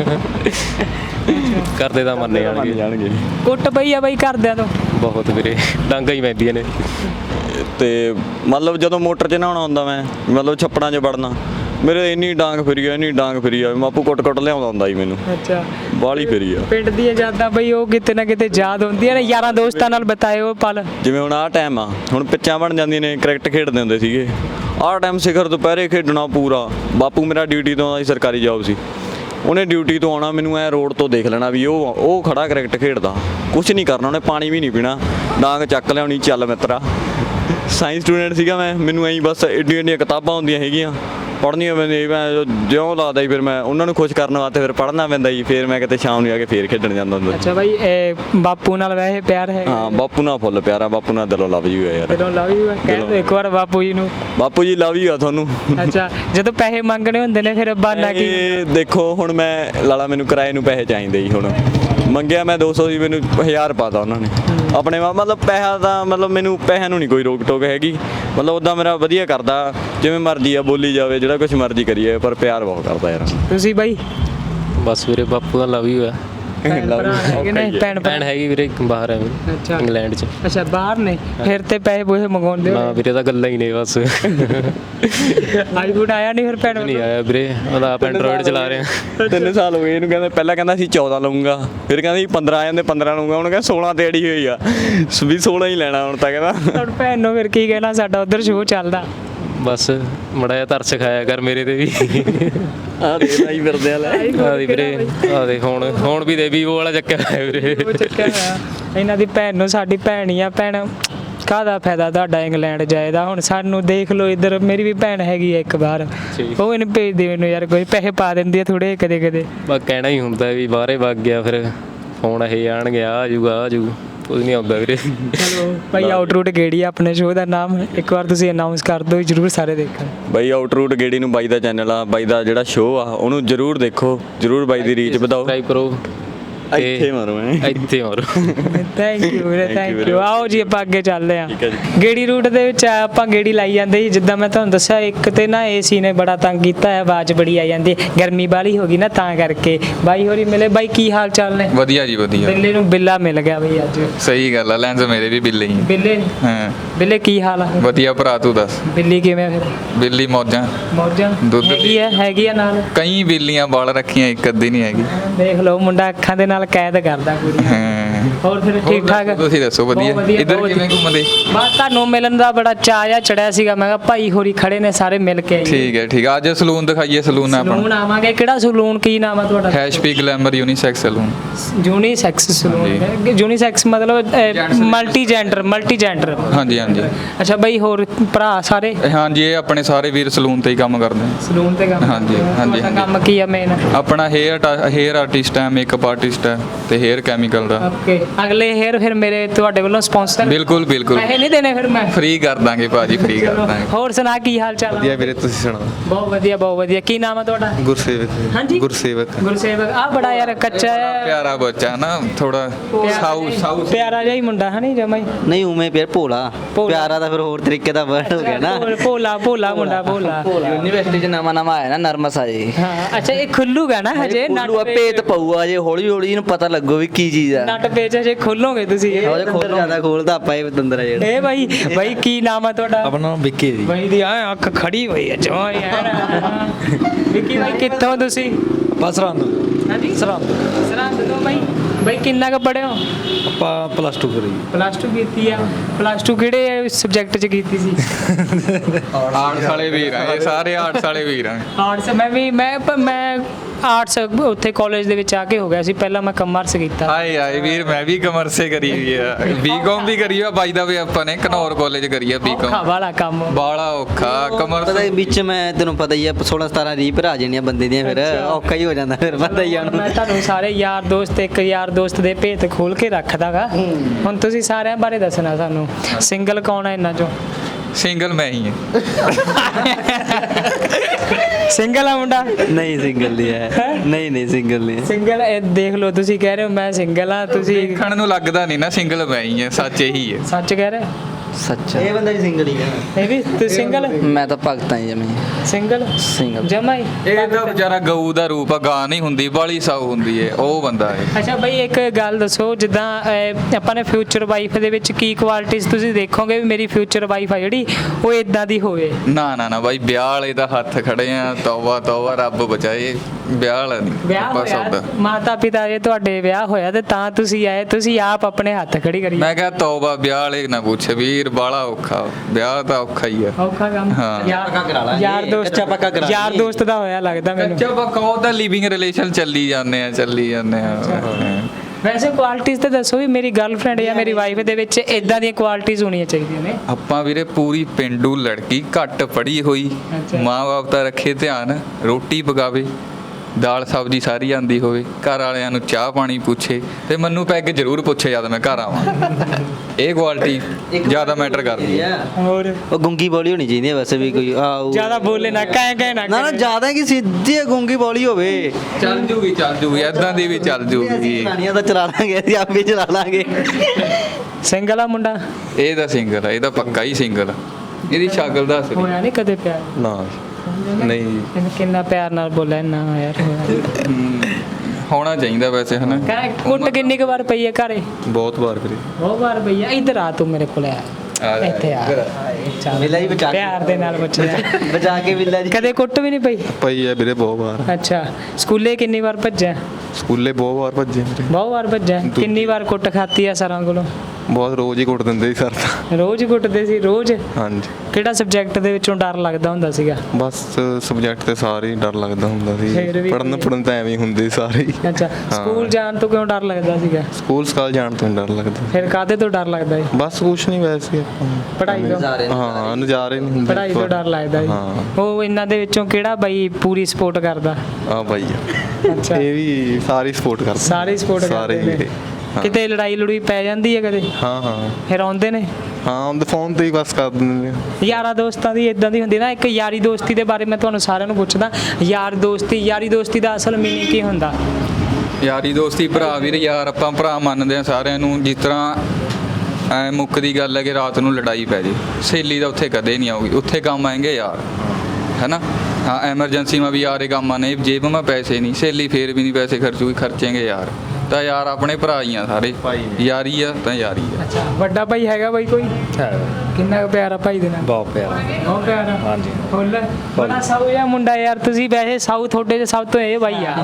[SPEAKER 1] ਕਰਦੇ ਤਾਂ ਮੰਨੇ ਜਾਣਗੇ।
[SPEAKER 2] ਕੁੱਟ ਪਈ ਆ ਬਈ ਘਰਦਿਆਂ ਤੋਂ?
[SPEAKER 1] ਬਹੁਤ ਵੀਰੇ, ਡਾਂਗਾ ਹੀ ਪੈਂਦੀਆਂ ਨੇ।
[SPEAKER 4] ਤੇ ਮਤਲਬ ਜਦੋਂ ਮੋਟਰ 'ਚ ਨਹਾਉਣਾ ਹੁੰਦਾ, ਮੈਂ ਮਤਲਬ ਛੱਪੜਾਂ 'ਚ ਵੜਨਾ, ਮੇਰੇ ਇੰਨੀ ਡਾਂਗ ਫਿਰੀ ਆ, ਮਾਪੂ ਕੁੱਟ ਲਿਆਉਂਦਾ ਹੁੰਦਾ ਜੀ ਮੈਨੂੰ।
[SPEAKER 2] ਅੱਛਾ,
[SPEAKER 4] ਬਾਹਲੀ ਫਿਰੀ ਆ।
[SPEAKER 2] ਪਿੰਡ ਦੀਆਂ ਯਾਦਾਂ ਬਈ ਉਹ ਕਿਤੇ ਨਾ ਕਿਤੇ ਯਾਦ ਹੁੰਦੀਆਂ ਨੇ, ਯਾਰਾਂ ਦੋਸਤਾਂ ਨਾਲ ਬਿਤਾਏ ਉਹ ਪਲ।
[SPEAKER 4] ਜਿਵੇਂ ਹੁਣ ਆਹ ਟਾਈਮ ਆ, ਹੁਣ ਪਿੱਚਾਂ ਬਣ ਜਾਂਦੀਆਂ ਨੇ, ਕ੍ਰਿਕਟ ਖੇਡਦੇ ਹੁੰਦੇ ਸੀਗੇ, ਆਹ ਟਾਈਮ ਸਿਖਰ ਦੁਪਹਿਰੇ ਖੇਡਣਾ ਪੂਰਾ। ਬਾਪੂ ਮੇਰਾ ਡਿਊਟੀ ਤੋਂ ਆਉਂਦਾ ਸੀ, ਸਰਕਾਰੀ ਜੌਬ ਸੀ, ਉਹਨੇ ਡਿਊਟੀ ਤੋਂ ਆਉਣਾ, ਮੈਨੂੰ ਐ ਰੋਡ ਤੋਂ ਦੇਖ ਲੈਣਾ ਵੀ ਉਹ ਖੜਾ ਕ੍ਰਿਕਟ ਖੇਡਦਾ, ਕੁਝ ਨਹੀਂ ਕਰਨਾ ਉਹਨੇ, ਪਾਣੀ ਵੀ ਨਹੀਂ ਪੀਣਾ, ਡਾਂਗ ਚੱਕ ਲਿਆਉਣੀ, ਚੱਲ ਮਿੱਤਰਾ। ਸਾਇੰਸ ਸਟੂਡੈਂਟ ਸੀਗਾ ਮੈਂ, ਮੈਨੂੰ ਐਂ ਬਸ ਏਡੀਆਂ ਕਿਤਾਬਾਂ ਹੁੰਦੀਆਂ ਹੈਗੀਆਂ, ਪੜ੍ਹਨੀਆਂ ਪੈਂਦੀਆਂ, ਮੈਂ ਜਿਉਂ ਲੱਗਦਾ ਸੀ ਫਿਰ ਮੈਂ ਉਹਨਾਂ ਨੂੰ ਖੁਸ਼ ਕਰਨ ਵਾਸਤੇ ਫਿਰ ਪੜ੍ਹਨਾ ਪੈਂਦਾ ਜੀ, ਫਿਰ ਮੈਂ ਕਿਤੇ ਸ਼ਾਮ ਨੂੰ ਆ ਕੇ ਫੇਰ ਖੇਡਣ ਜਾਂਦਾ ਹੁੰਦਾ।
[SPEAKER 2] ਅੱਛਾ ਬਾਈ, ਬਾਪੂ ਨਾਲ ਵੈਸੇ ਪਿਆਰ ਹੈ?
[SPEAKER 4] ਹਾਂ, ਬਾਪੂ ਨਾਲ ਫੁੱਲ ਪਿਆਰਾ, ਬਾਪੂ ਨਾਲ ਦਿਲੋਂ ਲਵ ਯੂ ਹੈ ਯਾਰ।
[SPEAKER 2] ਦਿਲੋਂ ਲਵ ਯੂ ਹੈ? ਕਹਿ ਦਿਓ ਇੱਕ ਵਾਰ ਬਾਪੂ ਜੀ ਨੂੰ।
[SPEAKER 4] ਬਾਪੂ ਜੀ ਲਵ ਯੂ ਆ ਤੁਹਾਨੂੰ।
[SPEAKER 2] ਅੱਛਾ, ਜਦੋਂ ਪੈਸੇ ਮੰਗਣੇ ਹੁੰਦੇ ਨੇ ਫਿਰ ਬਹਾਨਾ ਕੀ?
[SPEAKER 4] ਇਹ ਦੇਖੋ ਹੁਣ ਮੈਂ ਲਾਲਾ, ਮੈਨੂੰ ਕਿਰਾਏ ਨੂੰ ਪੈਸੇ ਚਾਹੀਦੇ ਜੀ, ਹੁਣ ਮੰਗਿਆ ਮੈਂ 200 ਸੀ, ਮੈਨੂੰ 1000 ਪਾਤਾ ਉਹਨਾਂ ਨੇ ਆਪਣੇ। ਮਤਲਬ ਪੈਸਾ ਦਾ ਮਤਲਬ ਮੈਨੂੰ ਪੈਸਿਆਂ ਨੂੰ ਨਹੀਂ ਕੋਈ ਰੋਕ ਟੋਕ ਹੈਗੀ, ਮਤਲਬ ਉੱਦਾਂ ਮੇਰਾ ਵਧੀਆ ਕਰਦਾ, ਜਿਵੇਂ ਮਰਜ਼ੀ ਆ ਬੋਲੀ ਜਾਵੇ, ਜਿਹੜਾ ਕੁਝ ਮਰਜ਼ੀ ਕਰੀਏ, ਪਰ ਪਿਆਰ ਬਹੁਤ ਕਰਦਾ ਯਾਰ।
[SPEAKER 2] ਤੁਸੀਂ ਬਾਈ?
[SPEAKER 1] ਬਸ ਵੀਰੇ ਬਾਪੂ ਦਾ ਲਵ ਯੂ ਹੈ।
[SPEAKER 2] ਭਰਾ ਹੈਗੇ ਨੇ ਭੈਣ
[SPEAKER 1] ਭੈਣ ਹੈਗੀ ਵੀਰੇ ਬਾਹਰ ਹੈ
[SPEAKER 2] ਅੱਛਾ
[SPEAKER 1] ਇੰਗਲੈਂਡ 'ਚ।
[SPEAKER 2] ਅੱਛਾ ਬਾਹਰ ਨੇ ਫਿਰ ਤੇ ਪੈਸੇ ਪੂਸੇ ਮੰਗਾਉਂਦੇ
[SPEAKER 1] ਨਾ
[SPEAKER 2] ਹੋ
[SPEAKER 1] ਵੀਰੇ ਤਾਂ ਗੱਲਾਂ ਹੀ ਨੇ ਬਸ।
[SPEAKER 2] ਆਈਫੋਨ ਆਇਆ ਨਹੀਂ ਫਿਰ ਭੈਣ
[SPEAKER 1] ਨਹੀਂ ਆਇਆ ਵੀਰੇ, ਉਹਦਾ ਆਪ ਐਂਡਰੋਇਡ ਚਲਾ ਰਿਹਾ।
[SPEAKER 4] 3 ਸਾਲ ਹੋ ਗਏ ਇਹਨੂੰ, ਕਹਿੰਦਾ ਪਹਿਲਾਂ ਕਹਿੰਦਾ ਸੀ 14 ਲਊਂਗਾ, ਫਿਰ ਕਹਿੰਦਾ ਸੀ 15 ਆ ਜਾਂਦੇ 15 ਲਊਂਗਾ, ਹੁਣ ਕਹਿੰਦਾ 16 ਤੇ ਅੜੀ ਹੋਈ ਆ ਵੀ 16 ਹੀ ਲੈਣਾ ਹੁਣ ਤਾਂ ਕਹਿੰਦਾ।
[SPEAKER 2] ਤੁਹਾਡੀ ਭੈਣ ਨੂੰ ਫਿਰ ਕੀ ਕਹਿਣਾ, ਸਾਡਾ ਉਧਰ ਸ਼ੋਅ ਚੱਲਦਾ।
[SPEAKER 1] ਬਸ ਮੜਾ ਜਿਹਾ ਤਰਸ ਖਾਇਆ ਕਰ ਮੇਰੇ ਤੇ ਵੀ।
[SPEAKER 4] ਆ ਦੇਖਦਾ ਹੀ ਫਿਰਦੇ ਆ ਲੈ।
[SPEAKER 1] ਆ ਦੇ ਵੀਰੇ, ਆ ਦੇ ਹੁਣ ਵੀ ਦੇ ਵੀ ਉਹ ਵਾਲਾ ਚੱਕਿਆ ਹੋਇਆ ਵੀਰੇ।
[SPEAKER 2] ਉਹ ਚੱਕਿਆ ਹੋਇਆ ਇਹਨਾਂ ਦੀ ਭੈਣ ਨੂੰ, ਸਾਡੀ ਭੈਣ ਹੀ ਆ। ਭੈਣ ਕਾਹਦਾ ਫਾਇਦਾ ਤੁਹਾਡਾ ਇੰਗਲੈਂਡ ਜਾਏਦਾ, ਹੁਣ ਸਾਨੂੰ ਦੇਖ ਲਓ ਇੱਧਰ ਮੇਰੀ ਵੀ ਭੈਣ ਹੈਗੀ ਆ ਇੱਕ ਬਾਹਰ, ਉਹ ਇਹਨੂੰ ਭੇਜਦੇ ਮੈਨੂੰ ਯਾਰ, ਕੋਈ ਪੈਸੇ ਪਾ ਦਿੰਦੀ ਆ ਥੋੜੇ ਕਦੇ ਕਦੇ।
[SPEAKER 1] ਬਸ ਕਹਿਣਾ ਹੀ ਹੁੰਦਾ ਵੀ ਬਾਹਰੇ ਵਗ ਗਿਆ ਫਿਰ ਫੋਨ ਇਹ ਆਣਗੇ, ਆ ਜੂਗਾ ਆ ਜੂ, ਕੁਝ ਨਹੀਂ ਆਉਂਦਾ ਵੀਰੇ।
[SPEAKER 2] ਚਲੋ ਭਾਈ ਆਊਟਰੂਟ ਗੇੜੀ ਆ ਆਪਣੇ ਸ਼ੋਅ ਦਾ ਨਾਮ, ਇੱਕ ਵਾਰ ਤੁਸੀਂ ਅਨਾਉਂਸ ਕਰ ਦਿਓ, ਜਰੂਰ ਸਾਰੇ ਦੇਖਣ।
[SPEAKER 4] ਬਾਈ ਆਊਟਰੂਟ ਗੇੜੀ ਨੂੰ ਬਾਈ ਦਾ ਚੈਨਲ ਆ, ਬਾਈ ਦਾ ਜਿਹੜਾ ਸ਼ੋਅ ਆ ਉਹਨੂੰ ਜਰੂਰ ਦੇਖੋ, ਜਰੂਰ ਬਾਈ ਦੀ ਰੀਚ ਵਧਾਓ।
[SPEAKER 1] ਸਬਸਕ੍ਰਾਈਬ ਕਰੋ।
[SPEAKER 4] ਇੱਥੇ ਮਾਰੋ
[SPEAKER 1] ਇੱਥੇ ਮਾਰੋ।
[SPEAKER 2] ਥੈਂਕ ਯੂ ਵੀਰੇ, ਥੈਂਕ ਯੂ। ਆਓ ਜੀ ਆਪਾਂ ਅੱਗੇ ਚੱਲਦੇ ਹਾਂ।
[SPEAKER 4] ਠੀਕ ਹੈ ਜੀ।
[SPEAKER 2] ਗੇੜੀ ਰੂਟ ਦੇ ਵਿੱਚ ਆਪਾਂ ਗੇੜੀ ਲਾਈ ਜਾਂਦੇ ਸੀ, ਜਿੱਦਾਂ ਮੈਂ ਤੁਹਾਨੂੰ ਦੱਸਿਆ, ਇੱਕ ਤੇ ਨਾ ਏਸੀ ਨੇ ਬੜਾ ਤੰਗ ਕੀਤਾ ਹੈ, ਆਵਾਜ਼ ਬੜੀ ਆ ਜਾਂਦੀ, ਗਰਮੀ ਬਾਹਲੀ ਹੋ ਗਈ ਨਾ ਤਾਂ ਕਰਕੇ। ਬਾਈ ਹੋਰੀ ਮਿਲੇ, ਬਾਈ ਕੀ ਹਾਲ ਚਾਲ ਨੇ?
[SPEAKER 5] ਵਧੀਆ ਜੀ ਵਧੀਆ।
[SPEAKER 2] ਬਿੱਲੇ ਨੂੰ ਬਿੱਲਾ ਮਿਲ ਗਿਆ ਬਈ ਅੱਜ।
[SPEAKER 5] ਸਹੀ ਗੱਲ ਆ, ਲੈਂਸ ਮੇਰੇ ਵੀ ਬਿੱਲੇ ਹੀ।
[SPEAKER 2] ਬਿੱਲੇ
[SPEAKER 5] ਹਾਂ
[SPEAKER 2] ਬਿੱਲੇ ਕੀ ਹਾਲ ਆ?
[SPEAKER 5] ਵਧੀਆ ਭਰਾ, ਤੂੰ ਦੱਸ।
[SPEAKER 2] ਬਿੱਲੀ ਕਿਵੇਂ ਫਿਰ?
[SPEAKER 5] ਬਿੱਲੀ ਮੌਜਾਂ।
[SPEAKER 2] ਮੌਜਾਂ
[SPEAKER 5] ਦੁੱਧ
[SPEAKER 2] ਹੈਗੀ ਆ ਨਾਲ।
[SPEAKER 5] ਕਈ ਬਿੱਲੀਆਂ ਬਾਲ ਰੱਖੀਆਂ, ਇੱਕ ਅੱਧੀ ਨਹੀਂ ਹੈਗੀ।
[SPEAKER 2] ਦੇਖ ਲਓ ਮੁੰਡਾ ਅੱਖਾਂ ਦੇ ਨਾਲ ਕੈਦ ਕਰਦਾ ਪੂਰੀ।
[SPEAKER 5] ਹਾਂ
[SPEAKER 2] ਹੋਰ ਫਿਰ ਠੀਕ ਠਾਕ?
[SPEAKER 5] ਤੁਸੀਂ ਦੱਸੋ ਵਧੀਆ।
[SPEAKER 2] ਬਹੁਤ ਵਧੀਆ,
[SPEAKER 5] ਇੱਧਰ
[SPEAKER 2] ਬਹੁਤ
[SPEAKER 5] ਕਿਵੇਂ ਘੁੰਮਦੇ?
[SPEAKER 2] ਬਸ ਤੁਹਾਨੂੰ ਮਿਲਣ ਦਾ ਬੜਾ ਚਾਅ ਜਿਹਾ ਚੜਿਆ ਸੀਗਾ, ਮੈਂ ਕਿਹਾ ਭਾਈ ਹੋਰੀ ਖੜੇ ਨੇ ਸਾਰੇ ਮਿਲ ਕੇ ਆਈਏ।
[SPEAKER 5] ਠੀਕ ਹੈ ਠੀਕ ਆ, ਅੱਜ ਸਲੂਨ ਦਿਖਾਈਏ। ਸਲੂਨ ਆ
[SPEAKER 2] ਸਲੂਨ
[SPEAKER 5] ਆਪਣਾ
[SPEAKER 2] ਆਵਾਂਗੇ। ਕਿਹੜਾ ਸਲੂਨ, ਕੀ ਨਾਮ ਆ ਤੁਹਾਡਾ?
[SPEAKER 5] ਹੈਸ਼ਪੀ glamour unisex salon.
[SPEAKER 2] Unisex salon. Unisex ਮਤਲਬ ਮਲਟੀ ਜੈਂਡਰ।
[SPEAKER 5] ਹਾਂਜੀ ਹਾਂਜੀ
[SPEAKER 2] ਅੱਛਾ ਬਈ, ਹੋਰ ਭਰਾ ਸਾਰੇ
[SPEAKER 5] ਹਾਂਜੀ, ਇਹ ਆਪਣੇ ਸਾਰੇ ਵੀਰ ਸਲੂਨ ਤੇ ਹੀ ਕੰਮ ਕਰਦੇ ਆ।
[SPEAKER 2] ਸਲੂਨ ਤੇ ਕੰਮ
[SPEAKER 5] ਹਾਂਜੀ,
[SPEAKER 2] ਕਰਦੇ ਆ?
[SPEAKER 5] ਹਾਂਜੀ,
[SPEAKER 2] ਤੁਹਾਡਾ
[SPEAKER 5] ਹਾਂਜੀ।
[SPEAKER 2] ਕੰਮ ਕੀ ਆ ਮੇਨ?
[SPEAKER 5] ਆਪਣਾ ਹੇਅਰ ਆਰਟਿਸਟ ਹੈ, ਮੇਕਅਪ ਆਰਟਿਸਟ ਹੈ ਤੇ ਹੇਅਰ ਕੈਮੀਕਲ ਦਾ।
[SPEAKER 2] ਓਕੇ, ਅਗਲੇ ਹੇਅਰ ਫਿਰ ਮੇਰੇ ਤੁਹਾਡੇ ਵੱਲੋਂ ਸਪਾਂਸਰ?
[SPEAKER 5] ਬਿਲਕੁਲ ਬਿਲਕੁਲ,
[SPEAKER 2] ਪੈਸੇ ਨਹੀਂ ਦੇਣੇ ਫਿਰ ਮੈਂ?
[SPEAKER 5] ਫ੍ਰੀ ਕਰ ਦਾਂਗੇ ਭਾਜੀ, ਫ੍ਰੀ ਕਰ ਦਾਂਗੇ।
[SPEAKER 2] ਹੋਰ ਸੁਣਾ, ਕੀ ਹਾਲ ਚਾਲ ਆ?
[SPEAKER 7] ਵਧੀਆ ਵੀਰੇ, ਤੁਸੀਂ ਸੁਣਾਓ?
[SPEAKER 2] ਬਹੁਤ ਵਧੀਆ, ਬਹੁਤ ਵਧੀਆ। ਕੀ ਨਾਮ ਆ ਤੁਹਾਡਾ?
[SPEAKER 7] ਗੁਰਸੇਵਕ।
[SPEAKER 2] ਹਾਂਜੀ
[SPEAKER 7] ਗੁਰਸੇਵਕ।
[SPEAKER 2] ਗੁਰਸੇਵਕ। ਆ ਬੜਾ ਯਾਰ ਕੱਚਾ ਹੈ,
[SPEAKER 5] ਪਿਆਰਾ ਬੱਚਾ ਨਾ, ਥੋੜਾ ਸਾਊ
[SPEAKER 2] ਪਿਆਰਾ ਜਿਹਾ ਹੀ ਮੁੰਡਾ ਹੈ ਨਹੀਂ ਜਮਾ ਹੀ?
[SPEAKER 8] ਨਹੀਂ ਉਵੇਂ ਫਿਰ ਭੋਲਾ
[SPEAKER 2] ਭੋਲਾ।
[SPEAKER 8] ਪਿਆਰਾ ਤਾਂ ਫਿਰ ਹੋਰ ਤਰੀਕੇ ਦਾ ਵਰਡ ਹੋ ਗਿਆ ਨਾ।
[SPEAKER 2] ਭੋਲਾ ਮੁੰਡਾ, ਭੋਲਾ।
[SPEAKER 8] ਯੂਨੀਵਰਸਿਟੀ 'ਚ ਨਵਾਂ ਆਇਆ ਨਾ ਨਰਮਸਾ ਜੀ।
[SPEAKER 2] ਹਾਂ ਅੱਛਾ, ਇਹ ਖੁੱਲੂਗਾ ਨਾ ਹਜੇ?
[SPEAKER 8] ਖੋਲੂਗਾ, ਭੇਤ ਪਊਗਾ ਜੇ ਹੌਲੀ ਹੌਲੀ ਇਹਨੂੰ ਪਤਾ ਲੱਗੋ ਵੀ ਕੀ ਚੀਜ਼ ਆ।
[SPEAKER 2] ਨਟ ਪੇਚ ਹਜੇ ਖੋਲੋਗੇ ਤੁਸੀਂ ਇਹ?
[SPEAKER 8] ਉਹਦੇ ਖੋਲ ਜ਼ਿਆਦਾ ਖੋਲਦਾ ਆਪਾਂ ਇਹ ਤੰਦਰ ਆ ਜਿਹੜਾ।
[SPEAKER 2] ਇਹ ਬਾਈ ਕੀ ਨਾਮ ਆ ਤੁਹਾਡਾ?
[SPEAKER 7] ਆਪਣਾ ਨਾਮ ਵਿੱਕੀ ਹੈ ਜੀ।
[SPEAKER 2] ਬਾਈ ਦੀ ਆ ਅੱਖ ਖੜੀ ਹੋਈ ਹੈ ਜਮਾ ਯਾਰ। ਵਿੱਕੀ ਬਾਈ ਕਿੱਥੋਂ ਤੁਸੀਂ?
[SPEAKER 7] ਬਸਰਾਨ
[SPEAKER 2] ਹਾਂਜੀ
[SPEAKER 7] ਸਰਹੰਦ।
[SPEAKER 2] ਸਰਹੰਦ ਤੋਂ ਬਾਈ। ਬਾਈ ਕਿੰਨਾ ਕੁ ਪੜ੍ਹੇ ਹੋ?
[SPEAKER 7] ਆਪਾਂ +2 ਕਰੀ।
[SPEAKER 2] ਪਲੱਸ 2 ਕੀਤੀ ਆ। ਪਲੱਸ 2 ਕਿਹੜੇ ਸਬਜੈਕਟ 'ਚ ਕੀਤੀ ਸੀ?
[SPEAKER 5] ਆਰਟਸ ਵਾਲੇ ਵੀਰ ਆ, ਇਹ ਸਾਰੇ ਆਰਟਸ ਵਾਲੇ ਵੀਰ ਆ।
[SPEAKER 2] ਆਰਟਸ। ਮੈਂ ਆਰਟਸ ਉੱਥੇ ਕਾਲਜ ਦੇ ਵਿੱਚ ਆ ਕੇ ਹੋ ਗਿਆ ਸੀ, ਪਹਿਲਾਂ ਮੈਂ ਕਮਰਸ ਕੀਤਾ।
[SPEAKER 5] ਹਾਏ ਹਾਏ ਵੀਰ, ਮੈਂ ਵੀ ਕਮਰਸੇ ਕਰੀ ਹੋਈ ਆ, ਬੀਕਾਮ ਵੀ ਕਰੀ ਆ ਬਾਈ ਦਾ ਵੀ। ਆਪਾਂ ਨੇ ਘਨੌਰ ਕਾਲਜ ਕਰੀ ਆ
[SPEAKER 2] ਔਖਾ
[SPEAKER 5] ਬੀਕਾਮ।
[SPEAKER 2] ਵਾਲਾ ਕੰਮ।
[SPEAKER 5] ਬਾਲਾ ਔਖਾ ਕਮਰਸ।
[SPEAKER 8] ਪਤਾ ਵਿੱਚ ਮੈਂ ਤੈਨੂੰ ਪਤਾ ਹੀ ਆ 16 17 ਰੀਪ ਆ ਜਾਣੀਆਂ ਬੰਦੇ ਦੀਆਂ, ਫਿਰ ਔਖਾ ਹੀ ਹੋ ਜਾਂਦਾ, ਫਿਰ ਪਤਾ ਹੀ ਆ
[SPEAKER 2] ਮੈਂ
[SPEAKER 8] ਉਹਨੂੰ।
[SPEAKER 2] ਤੁਹਾਨੂੰ ਸਾਰੇ ਯਾਰ ਦੋਸਤ, ਇੱਕ ਯਾਰ ਦੋਸਤ ਦੇ ਭੇਤ ਖੋਲ ਕੇ ਰੱਖਦਾਗਾ। ਹੁਣ ਤੁਸੀਂ ਸਾਰਿਆਂ ਬਾਰੇ ਦੱਸਣਾ ਸਾਨੂੰ। ਸਿੰਗਲ ਕੌਣ ਹੈ ਇਹਨਾਂ ਚੋਂ?
[SPEAKER 5] ਸਿੰਗਲ ਮੈਂ ਹੀ ਆ।
[SPEAKER 2] ਸਿੰਗਲ ਆ ਮੁੰਡਾ?
[SPEAKER 8] ਨਹੀਂ ਸਿੰਗਲ ਨਹੀਂ ਹੈ। ਨਹੀਂ ਸਿੰਗਲ ਨਹੀਂ ਹੈ।
[SPEAKER 2] ਸਿੰਗਲ ਦੇਖ ਲਓ, ਤੁਸੀਂ ਕਹਿ ਰਹੇ ਹੋ ਮੈਂ ਸਿੰਗਲ ਆ, ਤੁਸੀਂ
[SPEAKER 5] ਦੇਖਣ ਨੂੰ ਲੱਗਦਾ ਨਹੀਂ ਨਾ ਸਿੰਗਲ ਮੈਂ ਹੀ ਆ, ਸੱਚ ਇਹੀ ਹੈ।
[SPEAKER 2] ਸੱਚ ਕਹਿ ਰਹੇ?
[SPEAKER 8] ਸੱਚ ਇਹ ਬੰਦਾ ਵੀ ਸਿੰਗਲ ਹੀ ਹੈ।
[SPEAKER 2] ਇਹ ਵੀ ਤੁਸੀਂ ਸਿੰਗਲ?
[SPEAKER 8] ਮੈਂ ਤਾਂ ਭਗਤਾਂ ਹੀ ਜਮੇ
[SPEAKER 2] ਸਿੰਗਲ ਜਮਾ ਹੀ?
[SPEAKER 5] ਇਹ ਤਾਂ ਵਿਚਾਰਾ ਗਊ ਦਾ ਰੂਪ ਆ, ਗਾਂ ਨਹੀਂ ਹੁੰਦੀ, ਬਾਲੀ ਸਾਊ ਹੁੰਦੀ ਹੈ, ਉਹ ਬੰਦਾ ਹੈ।
[SPEAKER 2] ਅੱਛਾ ਬਈ, ਇੱਕ ਗੱਲ ਦੱਸੋ, ਜਿੱਦਾਂ ਆਪਾਂ ਨੇ ਫਿਊਚਰ ਵਾਈਫ ਦੇ ਵਿੱਚ ਕੀ ਕੁਆਲਿਟੀਜ਼ ਤੁਸੀਂ ਦੇਖੋਗੇ ਵੀ ਮੇਰੀ ਫਿਊਚਰ ਵਾਈਫ ਆ ਜਿਹੜੀ ਉਹ ਇਦਾਂ ਦੀ ਹੋਵੇ?
[SPEAKER 5] ਨਾ ਬਾਈ, ਵਿਆਹ ਵਾਲੇ ਦਾ ਹੱਥ ਖੜੇ ਆ, ਤੌਬਾ ਰੱਬ ਬਚਾਏ, ਵਿਆਹ ਵਾਲਾ ਨਹੀਂ।
[SPEAKER 2] ਵਿਆਹ
[SPEAKER 5] ਬਸ
[SPEAKER 2] ਹੋਇਆ,
[SPEAKER 5] ਉਹਦਾ
[SPEAKER 2] ਮਾਤਾ ਪਿਤਾ ਜੇ ਤੁਹਾਡੇ ਵਿਆਹ ਹੋਇਆ ਤੇ ਤਾਂ ਤੁਸੀਂ ਆਏ, ਤੁਸੀਂ ਆਪ ਆਪਣੇ ਹੱਥ ਖੜੀ ਕਰੀ?
[SPEAKER 5] ਮੈਂ ਕਿਹਾ ਤੌਬਾ, ਵਿਆਹ ਵਾਲੇ ਨਾ ਪੁੱਛ ਵੀਰ, ਬਾਲਾ ਔਖਾ, ਵਿਆਹ ਤਾਂ ਔਖਾ ਹੀ ਆ।
[SPEAKER 2] ਔਖਾ ਕੰਮ।
[SPEAKER 5] ਹਾਂ।
[SPEAKER 2] ਯਾਰ ਦੋਸਤ ਦਾ ਹੋਇਆ ਲੱਗਦਾ ਮੈਨੂੰ।
[SPEAKER 5] ਕੱਚਾ ਪੱਕਾ ਉਹ ਤਾਂ ਲਿਵਿੰਗ ਰਿਲੇਸ਼ਨ ਚੱਲੀ ਜਾਂਦੇ ਆ।
[SPEAKER 2] ਵੈਸੇ ਕੁਆਲਿਟੀਜ਼ ਤੇ ਦੱਸੋ ਵੀ ਮੇਰੀ ਗਰਲਫ੍ਰੈਂਡ ਜਾਂ ਮੇਰੀ ਵਾਈਫ ਦੇ ਵਿੱਚ ਇਦਾਂ ਦੀਆਂ ਕੁਆਲਿਟੀਜ਼ ਹੋਣੀਆਂ ਚਾਹੀਦੀਆਂ ਨੇ।
[SPEAKER 5] ਆਪਾਂ ਵੀਰੇ ਪੂਰੀ ਪਿੰਡੂ ਲੜਕੀ, ਘੱਟ ਪੜ੍ਹੀ ਹੋਈ,
[SPEAKER 2] ਅੱਛਾ।
[SPEAKER 5] ਮਾਂ-ਬਾਪ ਦਾ ਰੱਖੇ ਧਿਆਨ, ਰੋਟੀ ਪਕਾਵੇ, ਦਾਲ ਸਬਜ਼ੀ ਸਾਰੀ ਆਂਦੀ ਹੋਵੇ, ਘਰ ਵਾਲਿਆਂ ਨੂੰ ਚਾਹ ਪਾਣੀ ਪੁੱਛੇ ਤੇ ਮੈਨੂੰ ਪੈਗ ਜ਼ਰੂਰ ਪੁੱਛੇ ਜਦ ਮੈਂ ਘਰ ਆਵਾਂ। ਇਹ ਕੁਆਲਿਟੀ ਜ਼ਿਆਦਾ ਮੈਟਰ ਕਰਦੀ ਹੈ।
[SPEAKER 2] ਹੋਰ
[SPEAKER 8] ਉਹ ਗੁੰਗੀ ਬੋਲੀ ਹੋਣੀ ਚਾਹੀਦੀ ਹੈ ਵੈਸੇ ਵੀ, ਕੋਈ
[SPEAKER 2] ਜ਼ਿਆਦਾ ਬੋਲੇ ਨਾ, ਕਹਿ ਨਾ
[SPEAKER 8] ਨਾ ਜ਼ਿਆਦਾ ਕਿ ਸਿੱਧੀ ਗੁੰਗੀ ਬੋਲੀ ਹੋਵੇ।
[SPEAKER 5] ਚੱਲ ਜੂਗੀ ਏਦਾਂ ਦੀ ਵੀ ਚੱਲ ਜੂਗੀ।
[SPEAKER 8] ਕਹਾਣੀਆਂ ਤਾਂ ਚਲਾ ਲਾਂਗੇ, ਅਸੀਂ ਆਪੇ ਚਲਾ ਲਾਂਗੇ।
[SPEAKER 2] ਸਿੰਗਲ ਆ ਮੁੰਡਾ?
[SPEAKER 5] ਇਹ ਤਾਂ ਸਿੰਗਲ ਆ, ਇਹ ਤਾਂ ਪੱਕਾ ਹੀ ਸਿੰਗਲ ਆ। ਇਹਦੀ ਸ਼ਕਲ ਦੱਸ ਰਹੀ।
[SPEAKER 2] ਹੋਇਆ ਨਹੀਂ ਕਦੇ ਪਿਆਰ?
[SPEAKER 4] ਨਾ ਨਹੀਂ
[SPEAKER 2] ਕਿੰਨਾ ਪਿਆਰ ਨਾਲ ਬੋਲਿਆ ਨਾ ਯਾਰ।
[SPEAKER 5] ਹੋਣਾ ਚਾਹੀਦਾ ਵੈਸੇ ਹਨਾ।
[SPEAKER 2] ਕੁੱਟ ਕਿੰਨੀ ਕੁ ਵਾਰ ਪਈ ਹੈ ਘਰੇ?
[SPEAKER 7] ਬਹੁਤ ਵਾਰ ਵੀਰੇ।
[SPEAKER 2] ਬਹੁਤ ਵਾਰ ਪਈ ਹੈ। ਇੱਧਰ ਆ ਤੂੰ ਮੇਰੇ ਕੋਲ ਆ ਇੱਥੇ ਆ ਚੱਲ।
[SPEAKER 8] ਮਿਲਾ ਹੀ ਬਚਾ ਕੇ।
[SPEAKER 2] ਪਿਆਰ ਦੇ ਨਾਲ ਬੱਚੇ
[SPEAKER 8] ਬਚਾ ਕੇ ਮਿਲਾ ਜੀ।
[SPEAKER 2] ਕਦੇ ਕੁੱਟ ਵੀ ਨਹੀਂ ਪਈ?
[SPEAKER 7] ਪਈ ਹੈ ਵੀਰੇ ਬਹੁਤ ਵਾਰ।
[SPEAKER 2] ਅੱਛਾ, ਸਕੂਲੇ ਕਿੰਨੀ ਵਾਰ ਭੱਜਿਆ?
[SPEAKER 7] ਸਕੂਲੇ ਬਹੁਤ ਵਾਰ ਭੱਜੇ ਵੀਰੇ।
[SPEAKER 2] ਬਹੁਤ ਵਾਰ ਭੱਜਿਆ। ਕਿੰਨੀ ਵਾਰ ਕੁੱਟ ਖਾਤੀ ਆ ਸਰਾਂ ਕੋਲੋਂ?
[SPEAKER 7] ਬਹੁਤ ਰੋਜ਼ ਹੀ ਕੁੱਟ ਦਿੰਦੇ ਸੀ ਸਰ ਤਾਂ।
[SPEAKER 2] ਰੋਜ਼ ਹੀ ਕੁੱਟਦੇ ਸੀ? ਰੋਜ਼?
[SPEAKER 7] ਹਾਂਜੀ।
[SPEAKER 2] ਕਿਹੜਾ ਸਬਜੈਕਟ ਦੇ ਵਿੱਚੋਂ ਡਰ ਲੱਗਦਾ ਹੁੰਦਾ ਸੀਗਾ?
[SPEAKER 7] ਬਸ ਸਬਜੈਕਟ ਤੇ ਸਾਰੇ ਹੀ ਡਰ ਲੱਗਦਾ ਹੁੰਦਾ
[SPEAKER 2] ਫਿਰ
[SPEAKER 7] ਸੀ।
[SPEAKER 2] ਵੀ
[SPEAKER 7] ਪੜ੍ਹਨ ਤਾਂ ਐਵੇਂ ਹੀ ਹੁੰਦੇ ਸਾਰੇ ਹੀ।
[SPEAKER 2] ਅੱਛਾ, ਸਕੂਲ ਜਾਣ ਤੋਂ ਕਿਉਂ ਡਰ ਲੱਗਦਾ ਸੀਗਾ?
[SPEAKER 7] ਸਕੂਲ ਸਕਾਲ ਜਾਣ ਤੋਂ ਹੀ ਡਰ ਲੱਗਦਾ।
[SPEAKER 2] ਫਿਰ ਕਾਹਦੇ ਤੋਂ ਡਰ ਲੱਗਦਾ ਸੀ?
[SPEAKER 7] ਬਸ ਕੁਛ ਨਹੀਂ ਵੈਸੇ ਆਪਾਂ ਨੂੰ।
[SPEAKER 2] ਪੜ੍ਹਾਈ ਤੋਂ?
[SPEAKER 7] ਹਾਂ, ਨਜ਼ਾਰੇ ਨਹੀਂ ਹੁੰਦੇ।
[SPEAKER 2] ਪੜ੍ਹਾਈ ਤੋਂ ਡਰ ਲੱਗਦਾ ਸੀ।
[SPEAKER 7] ਹਾਂ।
[SPEAKER 2] ਉਹ ਇਹਨਾਂ ਦੇ ਵਿੱਚੋਂ ਕਿਹੜਾ ਬਾਈ ਪੂਰੀ ਸਪੋਰਟ ਕਰਦਾ?
[SPEAKER 7] ਆ ਬਾਈ ਆ।
[SPEAKER 2] ਅੱਛਾ,
[SPEAKER 7] ਇਹ ਵੀ ਸਾਰੇ ਸਪੋਰਟ ਕਰਦੇ।
[SPEAKER 2] ਸਾਰੇ ਸਪੋਰਟ
[SPEAKER 7] ਸਾਰੇ
[SPEAKER 2] ਕਰਦੇ ਨੇ।
[SPEAKER 7] ਵੀਰੇ। ਹਾਂ।
[SPEAKER 2] ਕਿਤੇ ਲੜਾਈ ਲੜੂਈ ਪੈ ਜਾਂਦੀ ਹੈ ਕਦੇ?
[SPEAKER 7] ਹਾਂ ਹਾਂ
[SPEAKER 2] ਫਿਰ ਆਉਂਦੇ ਨੇ?
[SPEAKER 7] ਹਾਂ, ਉਹਦੇ ਫੋਨ ਤੇ ਹੀ ਬਸ ਕਰ ਦਿੰਦੇ ਨੇ।
[SPEAKER 2] ਯਾਰਾਂ ਦੋਸਤਾਂ ਦੀ ਇਦਾਂ ਦੀ ਹੁੰਦੀ ਨਾ। ਇੱਕ ਯਾਰੀ ਦੋਸਤੀ ਦੇ ਬਾਰੇ ਮੈਂ ਤੁਹਾਨੂੰ ਸਾਰਿਆਂ ਨੂੰ ਪੁੱਛਦਾ, ਯਾਰੀ ਦੋਸਤੀ ਦਾ ਅਸਲ ਮੀਨਿੰਗ ਕੀ ਹੁੰਦਾ?
[SPEAKER 5] ਯਾਰੀ ਦੋਸਤੀ ਭਰਾ ਵੀਰ ਯਾਰ ਆਪਾਂ ਭਰਾ ਮੰਨਦੇ ਆ ਸਾਰਿਆਂ ਨੂੰ। ਜਿਸ ਤਰ੍ਹਾਂ ਐ ਮੁੱਕ ਦੀ ਗੱਲ ਹੈ ਕਿ ਰਾਤ ਨੂੰ ਲੜਾਈ ਪੈ ਜੇ, ਸਹੇਲੀ ਦਾ ਉੱਥੇ ਕਦੇ ਨਹੀਂ ਆਊਗੀ। ਉੱਥੇ ਕੰਮ ਆएंगे ਯਾਰ, है ना। हाँ, एमरजेंसी में भी यार ये काम आने, जेब में पैसे नहीं, सहेली फिर भी नहीं पैसे खर्चेंगे यार। ਤਾਂ ਯਾਰ ਆਪਣੇ ਭਰਾ ਹੀ ਆ ਸਾਰੇ, ਯਾਰੀ ਆ ਤਾਂ ਯਾਰੀ ਆ।
[SPEAKER 2] ਅੱਛਾ, ਵੱਡਾ ਭਾਈ ਹੈਗਾ ਬਾਈ ਕੋਈ? ਕਿੰਨਾ ਕੁ ਪਿਆਰਾ ਭਾਈ ਦੇ ਨਾਲ?
[SPEAKER 7] ਬਹੁਤ ਪਿਆਰਾ।
[SPEAKER 2] ਬਹੁਤ ਪਿਆਰਾ।
[SPEAKER 7] ਹਾਂਜੀ।
[SPEAKER 2] ਫੁੱਲ ਬੜਾ ਸਾਊ ਜਿਹਾ ਮੁੰਡਾ ਯਾਰ। ਤੁਸੀਂ ਵੈਸੇ ਸਾਊ ਤੁਹਾਡੇ ਚ ਸਭ ਤੋਂ ਇਹ ਬਾਈ ਆ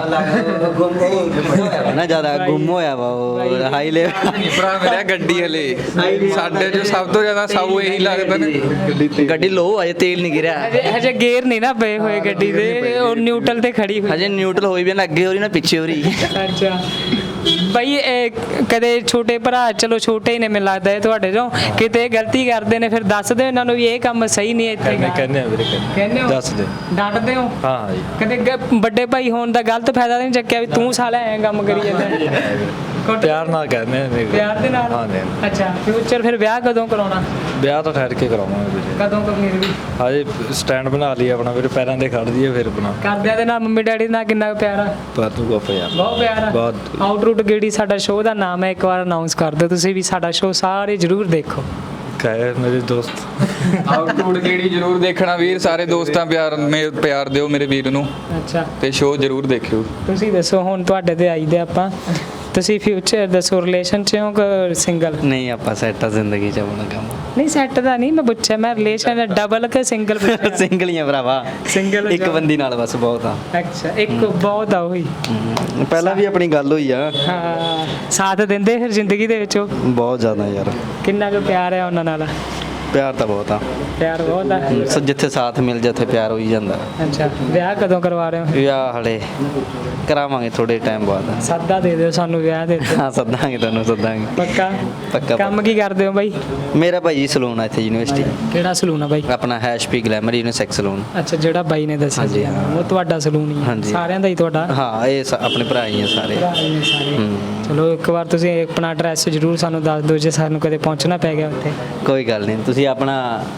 [SPEAKER 8] ਨਾ ਜ਼ਿਆਦਾ ਗੁੰਮ ਹੋਇਆ ਵਾ ਉਹ ਹਾਈ ਲੈਵਲ।
[SPEAKER 5] ਭਰਾ ਮੇਰਾ ਗੱਡੀ ਹਲੇ ਸਾਡੇ ਚ ਸਭ ਤੋਂ ਜ਼ਿਆਦਾ ਸਾਊ ਇਹੀ ਲੱਗਦਾ ਨੇ।
[SPEAKER 8] ਗੱਡੀ ਲੋ ਅਜੇ ਤੇਲ ਨਹੀਂ ਗਿਰਿਆ।
[SPEAKER 2] ਹਜੇ ਗੇਅਰ ਨਹੀਂ ਨਾ ਪਏ ਹੋਏ ਗੱਡੀ ਦੇ, ਉਹ ਨਿਊਟਰਲ ਤੇ ਖੜੀ ਹੋਈ।
[SPEAKER 8] ਹਜੇ ਨਿਊਟਰਲ ਹੋਈ ਵੀ ਨਾ, ਅੱਗੇ ਹੋ ਰਹੀ ਨਾ ਪਿੱਛੇ ਹੋ ਰਹੀ।
[SPEAKER 2] ਅੱਛਾ ਬਈ, ਇਹ ਕਦੇ ਛੋਟੇ ਭਰਾ, ਚਲੋ ਛੋਟੇ ਹੀ ਨੇ ਮੈਨੂੰ ਲੱਗਦਾ ਇਹ ਤੁਹਾਡੇ ਚੋਂ, ਕਿਤੇ ਗਲਤੀ ਕਰਦੇ ਨੇ ਫਿਰ ਦੱਸ ਦਿਓ ਇਹਨਾਂ ਨੂੰ ਵੀ ਇਹ ਕੰਮ ਸਹੀ ਨਹੀਂ ਇੱਥੇ?
[SPEAKER 7] ਕਹਿੰਦੇ ਆ ਵੀਰੇ,
[SPEAKER 2] ਕਹਿੰਦੇ ਹੋ?
[SPEAKER 7] ਦੱਸ ਦੇ।
[SPEAKER 2] ਡਾਂਟਦੇ ਹੋ?
[SPEAKER 7] ਹਾਂ ਜੀ।
[SPEAKER 2] ਕਦੇ ਵੱਡੇ ਭਾਈ ਹੋਣ ਦਾ ਗਲਤ ਫਾਇਦਾ ਨਹੀਂ ਚੱਕਿਆ ਵੀ ਤੂੰ ਸਾਲਾ ਐਂ ਕੰਮ ਕਰੀ ਜਾਂਦਾ?
[SPEAKER 7] ਪਿਆਰ ਨਾਲ ਕਹਿੰਦੇ ਆ ਵੀਰੇ।
[SPEAKER 2] ਪਿਆਰ ਦੇ ਨਾਲ?
[SPEAKER 7] ਹਾਂ ਜੀ।
[SPEAKER 2] ਅੱਛਾ, ਫਿਊਚਰ ਫਿਰ ਵਿਆਹ ਕਦੋਂ ਕਰਾਉਣਾ?
[SPEAKER 7] ਵਿਆਹ ਤਾਂ ਠਹਿਰ ਕੇ ਕਰਾਵਾਂਗੇ ਵੀਰੇ।
[SPEAKER 2] ਕਦੋਂ ਕੁ ਫਿਰ ਵੀ?
[SPEAKER 7] ਹਜੇ ਸਟੈਂਡ ਬਣਾ ਲਈ ਆਪਣਾ ਵੀਰੇ, ਪੈਰਾਂ ਤੇ ਖੜ ਜੀਏ ਫਿਰ ਬਣਾ।
[SPEAKER 2] ਘਰਦਿਆਂ ਦੇ ਨਾਲ, ਮੰਮੀ ਡੈਡੀ ਨਾਲ ਕਿੰਨਾ ਕੁ ਪਿਆਰ ਆ?
[SPEAKER 7] ਪਰ ਤੂੰ ਗੁੱਪ ਯਾਰ।
[SPEAKER 2] ਬਹੁਤ ਪਿਆਰ ਆ।
[SPEAKER 7] ਬਹੁਤ।
[SPEAKER 2] ਆਊਟਰੂਟ ਗੇੜੀ ਸਾਡਾ ਸ਼ੋਅ ਦਾ ਨਾਮ ਹੈ, ਇੱਕ ਵਾਰ ਅਨਾਉਂਸ ਕਰ ਦਿਓ ਤੁਸੀਂ ਵੀ। ਸਾਡਾ ਸ਼ੋਅ ਸਾਰੇ ਜ਼ਰੂਰ ਦੇਖੋ।
[SPEAKER 7] ਕਹੇ ਮੇਰੇ ਦੋਸਤ।
[SPEAKER 5] ਆਊਟਰੂਟ ਕਿਹੜੀ ਜ਼ਰੂਰ ਦੇਖਣਾ ਵੀਰ, ਸਾਰੇ ਦੋਸਤਾਂ ਪਿਆਰ ਦਿਓ ਮੇਰੇ ਵੀਰ ਨੂੰ,
[SPEAKER 2] ਅੱਛਾ
[SPEAKER 5] ਤੇ ਸ਼ੋਅ ਜ਼ਰੂਰ ਦੇਖਿਓ।
[SPEAKER 2] ਤੁਸੀਂ ਦੱਸੋ, ਹੁਣ ਤੁਹਾਡੇ ਤੇ ਆਈਦੇ ਆਪਾਂ, ਤੁਸੀਂ ਫਿਊਚਰ ਦੱਸੋ, ਰਿਲੇਸ਼ਨ ਚ ਹੋ ਕਿ ਸਿੰਗਲ?
[SPEAKER 8] ਨਹੀਂ, ਆਪਾਂ ਸੈੱਟ ਆ ਜ਼ਿੰਦਗੀ ਚ ਆਪਣਾ ਕੰਮ।
[SPEAKER 2] ਨਹੀਂ ਸੈੱਟ ਦਾ ਨਹੀਂ ਮੈਂ ਪੁੱਛਿਆ, ਮੈਂ ਰਿਲੇਸ਼ਨ ਡਬਲ ਕਿ ਸਿੰਗਲ ਪੁੱਛਿਆ?
[SPEAKER 8] ਸਿੰਗਲ ਹੀ ਆ ਭਰਾਵਾ।
[SPEAKER 2] ਸਿੰਗਲ
[SPEAKER 8] ਇੱਕ ਬੰਦੀ ਨਾਲ ਬਸ ਬਹੁਤ ਆ।
[SPEAKER 2] ਅੱਛਾ, ਇੱਕ ਬਹੁਤ ਆ ਉਹੀ।
[SPEAKER 8] ਪਹਿਲਾਂ ਵੀ ਆਪਣੀ ਗੱਲ ਹੋਈ ਆ।
[SPEAKER 2] ਹਾਂ, ਸਾਥ ਦਿੰਦੇ ਫਿਰ ਜ਼ਿੰਦਗੀ ਦੇ ਵਿੱਚ ਉਹ?
[SPEAKER 8] ਬਹੁਤ ਜ਼ਿਆਦਾ ਯਾਰ।
[SPEAKER 2] ਕਿੰਨਾ ਕੁ ਪਿਆਰ ਹੈ ਉਹਨਾਂ ਨਾਲ?
[SPEAKER 8] ਪਿਆਰ ਤਾਂ ਬਹੁਤ ਆ।
[SPEAKER 2] ਪਿਆਰ ਬਹੁਤ ਆ।
[SPEAKER 8] ਜਿੱਥੇ ਸਾਥ ਮਿਲ ਜਾ ਉੱਥੇ ਪਿਆਰ ਹੋ ਹੀ ਜਾਂਦਾ।
[SPEAKER 2] ਅੱਛਾ, ਵਿਆਹ ਕਦੋਂ ਕਰਵਾ ਰਹੇ ਹੋ?
[SPEAKER 8] ਵਿਆਹ ਹਲੇ ਕਰਾਵਾਂਗੇ ਥੋੜੇ ਟਾਈਮ ਬਾਅਦ।
[SPEAKER 2] ਸਾਦਾ ਦੇ ਦਿਓ ਸਾਨੂੰ, ਵਿਆਹ ਦੇ ਦਿਓ।
[SPEAKER 8] ਹਾਂ, ਸੱਦਾਂਗੇ ਤੁਹਾਨੂੰ, ਸੱਦਾਂਗੇ।
[SPEAKER 2] ਪੱਕਾ?
[SPEAKER 8] ਪੱਕਾ।
[SPEAKER 2] ਕੰਮ ਕੀ ਕਰਦੇ ਹੋ ਬਾਈ?
[SPEAKER 8] ਮੇਰਾ ਭਾਈ ਸਲੂਨ ਆ ਇੱਥੇ ਯੂਨੀਵਰਸਿਟੀ।
[SPEAKER 2] ਕਿਹੜਾ ਸਲੂਨ ਆ ਬਾਈ?
[SPEAKER 8] ਆਪਣਾ HP ਗਲੈਮਰ ਯੂਨੀਸੈਕਸ ਸਲੂਨ।
[SPEAKER 2] ਅੱਛਾ, ਜਿਹੜਾ ਬਾਈ ਨੇ ਦੱਸਿਆ
[SPEAKER 8] ਹਾਂਜੀ,
[SPEAKER 2] ਸੀ
[SPEAKER 8] ਹਾਂ।
[SPEAKER 2] ਉਹ ਤੁਹਾਡਾ ਸਲੂਨ ਹੀ ਹੈ?
[SPEAKER 8] ਹਾਂਜੀ।
[SPEAKER 2] ਸਾਰਿਆਂ ਦਾ ਹੀ ਤੁਹਾਡਾ?
[SPEAKER 8] ਹਾਂ, ਇਹ ਆਪਣੇ ਭਰਾ ਹੀ ਆ ਸਾਰੇ।
[SPEAKER 2] ਭਰਾ ਹੀ ਨੇ ਸਾਰੇ। ਚਲੋ, ਇੱਕ ਵਾਰ ਤੁਸੀਂ ਆਪਣਾ ਐਡਰੈਸ ਜ਼ਰੂਰ ਸਾਨੂੰ ਦੱਸ ਦਿਓ ਜੇ ਸਾਨੂੰ ਕਦੇ ਪਹੁੰਚਣਾ ਪੈ ਗਿਆ ਉੱਥੇ।
[SPEAKER 8] ਕੋਈ ਗੱਲ ਨਹੀਂ, ਤੁਸੀਂ ਆਪਣਾ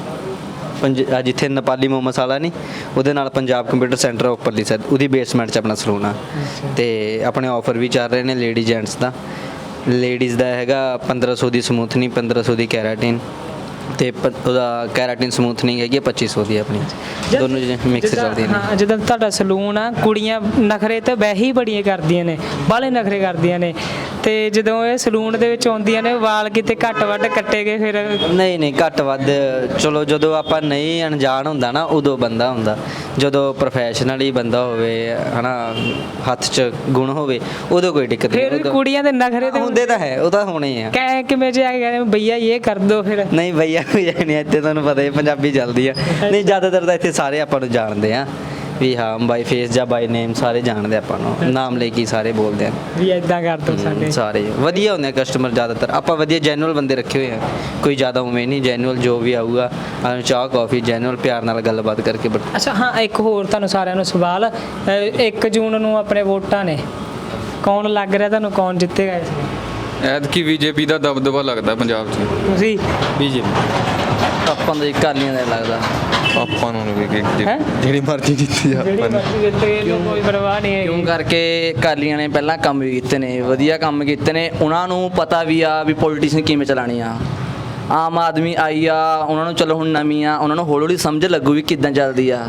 [SPEAKER 8] ਜਿੱਥੇ ਨੇਪਾਲੀ ਮੋਮੋਸ ਵਾਲਾ ਨਹੀਂ, ਉਹਦੇ ਨਾਲ ਪੰਜਾਬ ਕੰਪਿਊਟਰ ਸੈਂਟਰ ਉੱਪਰਲੀ ਸਾਈਡ, ਉਹਦੀ ਬੇਸਮੈਂਟ 'ਚ ਆਪਣਾ ਸਲੂਨ ਆ। ਤੇ ਆਪਣੇ ਆਫਰ ਵੀ ਚੱਲ ਰਹੇ ਨੇ ਲੇਡੀ ਜੈਂਟਸ ਦਾ। ਲੇਡੀਜ਼ ਦਾ ਹੈਗਾ 1500 ਦੀ ਸਮੂਥਨਿੰਗ, 1500 ਦੀ ਕੈਰਾਟਿਨ, ਤੇ ਉਹਦਾ ਕੈਰਾਟਿਨ ਸਮੂਥਨਿੰਗ ਹੈਗੀ 2500 ਦੀ ਆਪਣੀ। ਦੋਨੋਂ ਮਿਕਸ ਚੱਲਦੀਆਂ ਨੇ।
[SPEAKER 2] ਹਾਂ, ਜਦੋਂ ਤੁਹਾਡਾ ਸਲੂਨ ਆ, ਕੁੜੀਆਂ ਨਖਰੇ ਤਾਂ ਵੈਸੇ ਹੀ ਬੜੀਆਂ ਕਰਦੀਆਂ ਨੇ, ਬਾਹਲੇ ਨਖਰੇ ਕਰਦੀਆਂ ਨੇ, ਤੇ ਜਦੋਂ ਇਹ ਸਲੂਨ ਦੇ ਵਿੱਚ ਆਉਂਦੀਆਂ ਨੇ, ਵਾਲ ਕਿਤੇ ਘੱਟ ਵੱਧ ਕੱਟੇ ਗਏ ਫਿਰ?
[SPEAKER 8] ਨਹੀਂ, ਘੱਟ ਵੱਧ ਚਲੋ, ਜਦੋਂ ਆਪਾਂ ਨਹੀਂ ਅਣਜਾਣ ਹੁੰਦਾ ਨਾ, ਉਦੋਂ ਬੰਦਾ ਹੁੰਦਾ। ਜਦੋਂ ਪ੍ਰੋਫੈਸ਼ਨਲੀ ਬੰਦਾ ਹੋਵੇ ਹਨਾ, ਹੱਥ 'ਚ ਗੁਣ ਹੋਵੇ, ਉਦੋਂ ਕੋਈ ਦਿੱਕਤ ਨਹੀਂ।
[SPEAKER 2] ਫਿਰ ਕੁੜੀਆਂ ਦੇ ਨਖਰੇ ਤੇ
[SPEAKER 8] ਹੁੰਦੇ ਤਾਂ ਹੈ, ਉਹ ਤਾਂ ਹੋਣੇ ਆ।
[SPEAKER 2] ਕਿਵੇਂ ਜੇ ਆ ਗਏ ਭਈਆ ਇਹ ਕਰ ਦੋ ਫਿਰ?
[SPEAKER 8] ਨਹੀਂ ਭਈਆ ਕੋਈ ਨਹੀਂ, ਇੱਥੇ ਤੁਹਾਨੂੰ ਪਤਾ ਹੈ ਪੰਜਾਬੀ ਚੱਲਦੀ ਆ। ਨਹੀਂ, ਜ਼ਿਆਦਾਤਰ ਤਾਂ ਇੱਥੇ ਸਾਰੇ ਆਪਾਂ ਨੂੰ ਜਾਣਦੇ ਆ ਵੀ ਹਾਂ, ਬਾਈ ਫੇਸ ਜਾਂ ਬਾਈ ਨੇਮ ਸਾਰੇ ਜਾਣਦੇ ਆਪਾਂ ਨੂੰ, ਨਾਮ ਲੈ ਕੇ ਸਾਰੇ ਬੋਲਦੇ ਆ
[SPEAKER 2] ਵੀ ਇਦਾਂ ਕਰ ਦੋ ਸਾਡੇ।
[SPEAKER 8] ਸਾਰੇ ਵਧੀਆ ਹੁੰਦੇ ਆ ਕਸਟਮਰ, ਜ਼ਿਆਦਾਤਰ ਆਪਾਂ ਵਧੀਆ ਜੈਨੂਅਲ ਬੰਦੇ ਰੱਖੇ ਹੋਏ ਆ। ਕੋਈ ਜ਼ਿਆਦਾ ਉਵੇਂ ਨਹੀਂ, ਜੈਨੂਅਲ ਜੋ ਵੀ ਆਊਗਾ ਚਾਹ ਕਾਫੀ ਜੈਨੂਅਲ ਪਿਆਰ ਨਾਲ ਗੱਲਬਾਤ ਕਰਕੇ।
[SPEAKER 2] ਅੱਛਾ ਹਾਂ, ਇੱਕ ਹੋਰ ਤੁਹਾਨੂੰ ਸਾਰਿਆਂ ਨੂੰ ਸਵਾਲ, 1 ਜੂਨ ਨੂੰ ਆਪਣੇ ਵੋਟਾਂ ਨੇ, ਕੌਣ ਲੱਗ ਰਿਹਾ ਤੁਹਾਨੂੰ, ਕੌਣ ਜਿੱਤੇਗਾ ਇਸ ਵਾਰ?
[SPEAKER 5] ਐਤਕੀ ਬੀਜੇਪੀ ਦਾ ਦਬਦਬਾ ਲੱਗਦਾ ਪੰਜਾਬ 'ਚ।
[SPEAKER 2] ਤੁਸੀਂ?
[SPEAKER 7] ਬੀਜੇਪੀ।
[SPEAKER 8] ਆਪਾਂ ਨੂੰ ਕਾਲੀਆਂ ਦਾ ਲੱਗਦਾ।
[SPEAKER 7] ਆਪਾਂ ਨੂੰ ਵੀ
[SPEAKER 2] ਹੈਂ?
[SPEAKER 7] ਜਿਹੜੀ ਮਰਜ਼ੀ ਜਿੱਤੀ ਆ
[SPEAKER 2] ਜਿਹੜੀ
[SPEAKER 7] ਆਪਾਂ ਨੇ।
[SPEAKER 2] ਮਰਜ਼ੀ ਜਿੱਤੇ, ਇਹਨੂੰ ਕੋਈ ਪਰਵਾਹ ਨਹੀਂ ਹੈ।
[SPEAKER 9] ਕਿਉਂ ਕਰਕੇ ਕਾਲੀਆਂ ਨੇ ਪਹਿਲਾਂ ਕੰਮ ਵੀ ਕੀਤੇ ਨੇ, ਵਧੀਆ ਕੰਮ ਕੀਤੇ ਨੇ। ਉਹਨਾਂ ਨੂੰ ਪਤਾ ਵੀ ਆ ਵੀ ਪੋਲੀਟੀਸ਼ਨ ਕਿਵੇਂ ਚਲਾਣੀ ਆ। ਆਮ ਆਦਮੀ ਆਈ ਆ, ਉਹਨਾਂ ਨੂੰ ਚਲੋ ਹੁਣ ਨਵੀਂ ਆ, ਉਹਨਾਂ ਨੂੰ ਹੌਲੀ ਹੌਲੀ ਸਮਝ ਲੱਗੂ ਵੀ ਕਿੱਦਾਂ ਚੱਲਦੀ ਆ।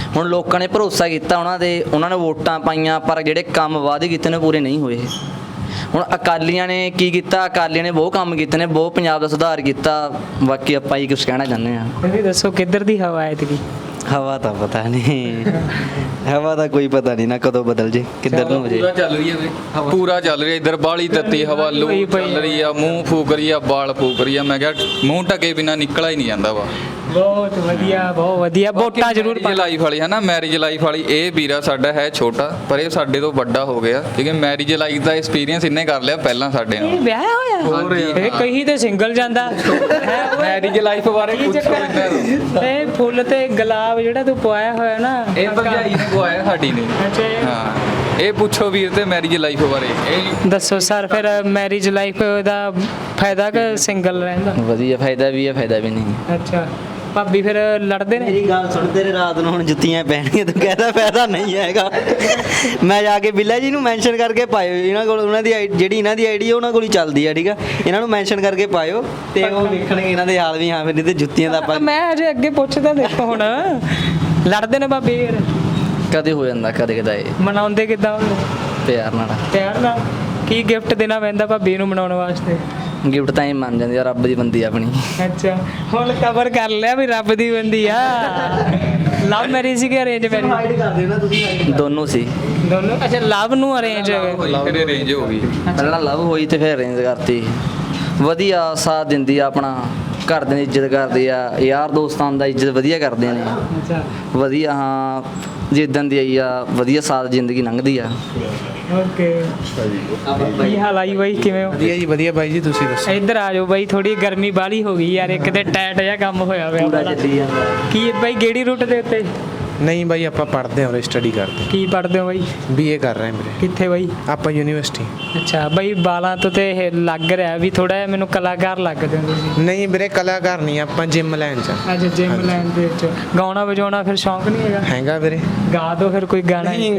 [SPEAKER 9] ਹੁਣ ਲੋਕਾਂ ਨੇ ਭਰੋਸਾ ਕੀਤਾ ਉਹਨਾਂ ਦੇ, ਉਹਨਾਂ ਨੇ ਵੋਟਾਂ ਪਾਈਆਂ, ਪਰ ਜਿਹੜੇ ਕੰਮ ਵਾਅਦੇ ਕੀਤੇ ਨੇ ਪੂਰੇ ਨਹੀਂ ਹੋਏ। ਹੁਣ ਅਕਾਲੀਆਂ ਨੇ ਕੀ ਕੀਤਾ, ਅਕਾਲੀਆਂ ਨੇ ਬਹੁਤ ਕੰਮ ਕੀਤੇ ਨੇ, ਬਹੁਤ ਪੰਜਾਬ ਦਾ ਸੁਧਾਰ ਕੀਤਾ। ਬਾਕੀ ਆਪਾਂ ਹੀ ਕੁਝ ਕਹਿਣਾ ਚਾਹੁੰਦੇ ਹਾਂ।
[SPEAKER 2] ਤੁਸੀਂ ਦੱਸੋ ਕਿੱਧਰ ਦੀ ਹਵਾ ਹੈ ਇਤਕੀ?
[SPEAKER 8] ਹਵਾ ਤਾਂ ਪਤਾ ਨਹੀਂ, ਹਵਾ ਦਾ ਕੋਈ ਪਤਾ ਨਹੀਂ ਨਾ ਕਦੋਂ ਬਦਲ ਜੇ, ਕਿੱਧਰ ਨੂੰ ਹੋ ਜੇ।
[SPEAKER 5] ਪੂਰਾ ਚੱਲ ਰਹੀ ਹੈ ਵੇ, ਪੂਰਾ ਚੱਲ ਰਹੀ ਹੈ। ਇੱਧਰ ਬਾਲੀ ਤੱਤੀ ਹਵਾ, ਲੂ ਚੱਲ ਰਹੀ ਆ, ਮੂੰਹ ਫੂਕ ਰਹੀ ਆ, ਬਾਲ ਫੂਕ ਰਹੀ ਆ। ਮੈਂ ਕਿਹਾ ਮੂੰਹ ਢਕੇ ਬਿਨਾ ਨਿਕਲਾ ਹੀ ਨਹੀਂ ਜਾਂਦਾ ਵਾ।
[SPEAKER 2] ਬਹੁਤ ਵਧੀਆ, ਬਹੁਤ ਵਧੀਆ। ਵੋਟਾਂ ਜ਼ਰੂਰ
[SPEAKER 5] ਮੈਰਿਜ ਲਾਈਫ ਵਾਲੀ ਹੈ ਨਾ, ਮੈਰਿਜ ਲਾਈਫ ਵਾਲੀ। ਇਹ ਵੀਰਾ ਸਾਡਾ ਹੈ ਛੋਟਾ, ਪਰ ਇਹ ਸਾਡੇ ਤੋਂ ਵੱਡਾ ਹੋ ਗਿਆ, ਕਿਉਂਕਿ ਮੈਰਿਜ ਲਾਈਫ ਦਾ ਐਕਸਪੀਰੀਅੰਸ ਇਹਨੇ ਕਰ ਲਿਆ ਪਹਿਲਾਂ ਸਾਡੇ ਨਾਲ।
[SPEAKER 2] ਇਹ ਵਿਆਹਿਆ ਹੋਇਆ? ਇਹ ਕਹੀ ਤੇ ਸਿੰਗਲ ਜਾਂਦਾ ਹੈ।
[SPEAKER 5] ਮੈਰਿਜ ਲਾਈਫ ਬਾਰੇ ਪੁੱਛੋ ਇਹਨਾਂ ਨੂੰ।
[SPEAKER 2] ਇਹ ਫੁੱਲ ਤੇ ਗੁਲਾਬ ਜਿਹੜਾ ਤੂੰ ਪਵਾਇਆ ਹੋਇਆ ਨਾ,
[SPEAKER 5] ਇਹ ਭਰਜਾਈ ਨੇ ਪਵਾਇਆ ਸਾਡੀ ਨੇ।
[SPEAKER 2] ਅੱਛਾ।
[SPEAKER 5] ਹਾਂ, ਇਹ ਪੁੱਛੋ ਵੀਰ ਤੇ ਮੈਰਿਜ ਲਾਈਫ ਬਾਰੇ। ਇਹ
[SPEAKER 2] ਦੱਸੋ ਸਰ, ਫਿਰ ਮੈਰਿਜ ਲਾਈਫ ਦਾ ਫਾਇਦਾ ਕਿ ਸਿੰਗਲ ਰਹਿੰਦਾ?
[SPEAKER 9] ਵਧੀਆ ਫਾਇਦਾ ਵੀ ਹੈ, ਫਾਇਦਾ ਵੀ ਨਹੀਂ।
[SPEAKER 2] ਅੱਛਾ। ਭਾਬੀ ਫਿਰ ਲੜਦੇ ਨੇ?
[SPEAKER 8] ਮੇਰੀ ਗੱਲ ਸੁਣ, ਤੇਰੇ ਰਾਤ ਨੂੰ ਹੁਣ ਜੁੱਤੀਆਂ ਪੈਣਗੀਆਂ, ਤੂੰ ਕਹਿੰਦਾ ਫਾਇਦਾ ਨਹੀਂ ਹੈਗਾ। ਮੈਂ ਜਾ ਕੇ ਬਿੱਲਾ ਜੀ ਨੂੰ ਮੈਂਸ਼ਨ ਕਰਕੇ ਪਾਇਓ, ਇਹਨਾਂ ਕੋਲ ਉਹਨਾਂ ਦੀ ਜਿਹੜੀ ਇਹਨਾਂ ਦੀ ਆਈਡੀ ਉਹਨਾਂ ਕੋਲ ਹੀ ਚੱਲਦੀ ਆ, ਠੀਕ ਆ? ਇਹਨਾਂ ਨੂੰ ਮੈਂਸ਼ਨ ਕਰਕੇ ਪਾਇਓ ਤੇ ਉਹ ਵੇਖਣਗੇ ਇਹਨਾਂ ਦੇ ਹਾਲ ਵੀ। ਹਾਂ, ਫਿਰ ਨਹੀਂ ਤੇ ਜੁੱਤੀਆਂ ਦਾ ਆਪਾਂ
[SPEAKER 2] ਮੈਂ ਅਜੇ ਅੱਗੇ ਪੁੱਛਦਾ, ਦੇਖੋ ਹੁਣ ਲੜਦੇ ਨੇ ਭਾਬੀ ਫਿਰ?
[SPEAKER 9] ਕਦੇ ਹੋ ਜਾਂਦਾ, ਕਦੇ ਕਦਾਏ।
[SPEAKER 2] ਮਨਾਉਂਦੇ ਕਿੱਦਾਂ?
[SPEAKER 9] ਪਿਆਰ ਨਾਲ।
[SPEAKER 2] ਪਿਆਰ ਨਾਲ। ਕੀ ਗਿਫਟ ਦੇਣਾ ਪੈਂਦਾ ਭਾਬੀ ਨੂੰ ਮਨਾਉਣ ਵਾਸਤੇ?
[SPEAKER 9] ਗਿਫਟ ਤਾਂ ਹੀ ਮੰਨ ਜਾਂਦੀ ਆ, ਰੱਬ ਦੀ ਬੰਦੀ ਆ ਆਪਣੀ।
[SPEAKER 2] ਅੱਛਾ, ਹੁਣ ਕਵਰ ਕਰ ਲਿਆ ਵੀ ਰੱਬ ਦੀ ਬੰਦੀ ਆ। ਲਵ ਮੈਰਿਜ ਸੀ ਕਿ ਅਰੇਂਜ ਮੈਰਿਜ?
[SPEAKER 8] ਕਰਦੇ ਨਾ ਤੁਸੀਂ।
[SPEAKER 9] ਦੋਨੋਂ ਸੀ।
[SPEAKER 2] ਦੋਨੋਂ? ਅੱਛਾ, ਲਵ ਨੂੰ ਅਰੇਂਜ
[SPEAKER 5] ਫਿਰ ਅਰੇਂਜ ਹੋ ਗਈ।
[SPEAKER 9] ਪਹਿਲਾਂ ਲਵ ਹੋਈ ਤੇ ਫਿਰ ਅਰੇਂਜ ਕਰਤੀ। ਵਧੀਆ ਸਾਥ ਦਿੰਦੀ ਆ ਆਪਣਾ, ਘਰਦਿਆਂ ਦੀ ਇੱਜ਼ਤ ਕਰਦੀ ਆ, ਯਾਰ ਦੋਸਤਾਂ ਦਾ ਇੱਜ਼ਤ ਵਧੀਆ ਕਰਦੇ ਨੇ।
[SPEAKER 2] ਅੱਛਾ,
[SPEAKER 9] ਵਧੀਆ। ਹਾਂ, ਜਿੱਦਾਂ ਦੀ ਆਈ ਆ ਵਧੀਆ ਸਾਥ ਜ਼ਿੰਦਗੀ ਲੰਘਦੀ ਆ।
[SPEAKER 2] ਓਕੇ। ਕੀ ਹਾਲ ਆਈ ਬਾਈ, ਕਿਵੇਂ ਹੋ?
[SPEAKER 6] ਵਧੀਆ ਜੀ, ਵਧੀਆ ਬਾਈ ਜੀ, ਤੁਸੀਂ ਦੱਸੋ?
[SPEAKER 2] ਇੱਧਰ ਆ ਜਾਓ ਬਾਈ, ਥੋੜੀ ਗਰਮੀ ਬਾਹਲੀ ਹੋ ਗਈ ਯਾਰ, ਇੱਕ ਤੇ ਟਾਈਟ ਜਿਹਾ ਕੰਮ ਹੋਇਆ ਹੋਇਆ ਬੜਾ। ਕੀ ਬਾਈ ਗੇੜੀ ਰੂਟ ਦੇ ਉੱਤੇ?
[SPEAKER 6] ਨਹੀਂ ਬਾਈ, ਆਪਾਂ ਪੜ੍ਹਦੇ ਹਾਂ, ਸਟੱਡੀ ਕਰਦੇ।
[SPEAKER 2] ਕੀ ਪੜ੍ਹਦੇ ਹੋ ਬਾਈ?
[SPEAKER 6] ਬੀਏ ਕਰ ਰਹੇ ਮੇਰੇ।
[SPEAKER 2] ਕਿੱਥੇ ਬਾਈ?
[SPEAKER 6] ਆਪਾਂ ਯੂਨੀਵਰਸਿਟੀ।
[SPEAKER 2] ਅੱਛਾ ਬਾਈ, ਬਾਲਾਂ ਤੋਂ ਤੇ ਇਹ ਲੱਗ ਰਿਹਾ ਵੀ ਥੋੜਾ ਜਿਹਾ ਮੈਨੂੰ ਕਲਾਕਾਰ ਲੱਗਦੇ ਹੋ ਤੁਸੀਂ।
[SPEAKER 6] ਨਹੀਂ ਵੀਰੇ, ਕਲਾਕਾਰ ਨਹੀਂ, ਆਪਾਂ ਜਿਮ ਲਾਈਨ ਚ।
[SPEAKER 2] ਅੱਛਾ, ਜਿਮ ਲਾਈਨ ਦੇ ਵਿੱਚ। ਗਾਉਣਾ ਵਜਾਉਣਾ ਫਿਰ ਸ਼ੌਂਕ ਨਹੀਂ ਹੈਗਾ?
[SPEAKER 6] ਹੈਗਾ ਵੀਰੇ।
[SPEAKER 2] ਗਾ ਦੋ ਫਿਰ ਕੋਈ ਗਾਣਾ।
[SPEAKER 6] ਨਹੀਂ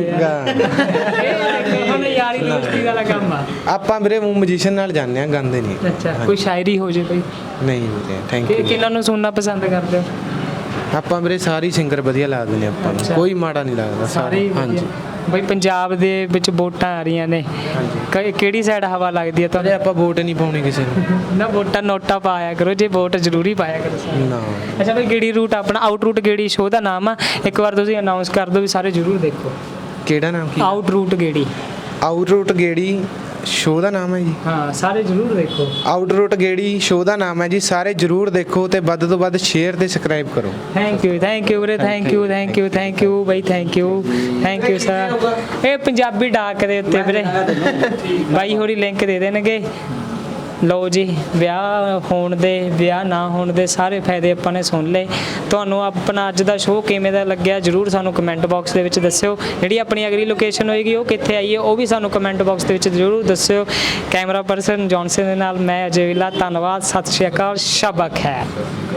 [SPEAKER 2] ਹੁਣ ਯਾਰੀ ਦੋਸਤੀ ਵਾਲਾ ਕੰਮ ਆ।
[SPEAKER 6] ਆਪਾਂ ਵੀਰੇ ਮਿਊਜ਼ੀਸ਼ੀਅਨ ਨਾਲ ਜਾਂਦੇ ਆ, ਗਾਉਂਦੇ ਨਹੀਂ।
[SPEAKER 2] ਅੱਛਾ, ਕੋਈ ਸ਼ਾਇਰੀ ਹੋ ਜੇ ਕੋਈ?
[SPEAKER 6] ਨਹੀਂ ਵੀਰੇ, ਥੈਂਕ ਯੂ।
[SPEAKER 2] ਕਿਹਨਾਂ ਨੂੰ ਸੁਣਨਾ ਪਸੰਦ ਕਰਦੇ ਹੋ?
[SPEAKER 6] ਆਪਾਂ ਵੀਰੇ ਸਾਰੇ ਸਿੰਗਰ ਵਧੀਆ ਲੱਗਦੇ ਨੇ ਆਪਾਂ ਨੂੰ, ਕੋਈ ਮਾੜਾ ਨਹੀਂ ਲੱਗਦਾ।
[SPEAKER 2] ਸਾਰੇ ਹੀ
[SPEAKER 6] ਹਾਂਜੀ।
[SPEAKER 2] ਬਈ ਪੰਜਾਬ ਦੇ ਵਿੱਚ ਵੋਟਾਂ ਆ ਰਹੀਆਂ ਨੇ, ਕਿਹੜੀ ਸਾਈਡ ਹਵਾ ਲੱਗਦੀ ਹੈ
[SPEAKER 6] ਤੇ
[SPEAKER 2] ਤੁਹਾਨੂੰ?
[SPEAKER 6] ਆਪਾਂ ਵੋਟ ਨਹੀਂ ਪਾਉਣੀ ਕਿਸੇ ਨੂੰ।
[SPEAKER 2] ਨਾ, ਵੋਟਾਂ ਨੋਟਾ ਪਾਇਆ ਕਰੋ, ਜੇ ਵੋਟ ਜ਼ਰੂਰੀ ਪਾਇਆ ਕਰੋ।
[SPEAKER 6] ਨਾ।
[SPEAKER 2] ਅੱਛਾ ਬਈ, ਗੇੜੀ ਰੂਟ ਆਪਣਾ ਆਊਟ ਰੂਟ ਗੇੜੀ ਸ਼ੋਅ ਦਾ ਨਾਮ ਆ, ਇੱਕ ਵਾਰ ਤੁਸੀਂ ਅਨਾਉਂਸ ਕਰ ਦਿਓ ਵੀ ਸਾਰੇ ਜ਼ਰੂਰ ਦੇਖੋ।
[SPEAKER 6] ਕਿਹੜਾ ਨਾਮ ਕੀ?
[SPEAKER 2] ਆਊਟ ਰੂਟ ਗੇੜੀ।
[SPEAKER 6] ਆਊਟ ਰੂਟ ਗੇੜੀ ਸ਼ੋਅ ਦਾ ਨਾਮ ਹੈ ਜੀ।
[SPEAKER 2] ਹਾਂ, ਸਾਰੇ ਜ਼ਰੂਰ ਦੇਖੋ।
[SPEAKER 6] ਆਊਟ ਰੂਟ ਗੇੜੀ ਸ਼ੋਅ ਦਾ ਨਾਮ ਹੈ ਜੀ, ਸਾਰੇ ਜ਼ਰੂਰ ਦੇਖੋ ਤੇ ਵੱਧ ਤੋਂ ਵੱਧ ਸ਼ੇਅਰ ਤੇ ਸਬਸਕ੍ਰਾਈਬ ਕਰੋ।
[SPEAKER 2] ਥੈਂਕ ਯੂ ਵੀਰੇ, ਥੈਂਕ ਯੂ ਬਾਈ, ਥੈਂਕ ਯੂ ਸਰ। ਇਹ ਪੰਜਾਬੀ ਡਾਕ ਦੇ ਉੱਤੇ ਵੀਰੇ ਬਾਈ ਹੋਰੀ ਲਿੰਕ ਦੇ ਦੇਣਗੇ। ਲਓ ਜੀ, ਵਿਆਹ ਹੋਣ ਦੇ, ਵਿਆਹ ਨਾ ਹੋਣ ਦੇ ਸਾਰੇ ਫਾਇਦੇ ਆਪਾਂ ਨੇ ਸੁਣ ਲਏ। ਤੁਹਾਨੂੰ ਆਪਣਾ ਅੱਜ ਦਾ ਸ਼ੋਅ ਕਿਵੇਂ ਦਾ ਲੱਗਿਆ ਜ਼ਰੂਰ ਸਾਨੂੰ ਕਮੈਂਟ ਬਾਕਸ ਦੇ ਵਿੱਚ ਦੱਸਿਓ। ਜਿਹੜੀ ਆਪਣੀ ਅਗਲੀ ਲੋਕੇਸ਼ਨ ਹੋਏਗੀ ਉਹ ਕਿੱਥੇ ਆਈ ਹੈ ਉਹ ਵੀ ਸਾਨੂੰ ਕਮੈਂਟ ਬਾਕਸ ਦੇ ਵਿੱਚ ਜ਼ਰੂਰ ਦੱਸਿਓ। ਕੈਮਰਾ ਪਰਸਨ ਜੌਨਸਨ ਦੇ ਨਾਲ ਮੈਂ ਅਜੇ ਵਿਲਾ, ਧੰਨਵਾਦ, ਸਤਿ ਸ਼੍ਰੀ ਅਕਾਲ, ਸ਼ਬਕ ਹੈ।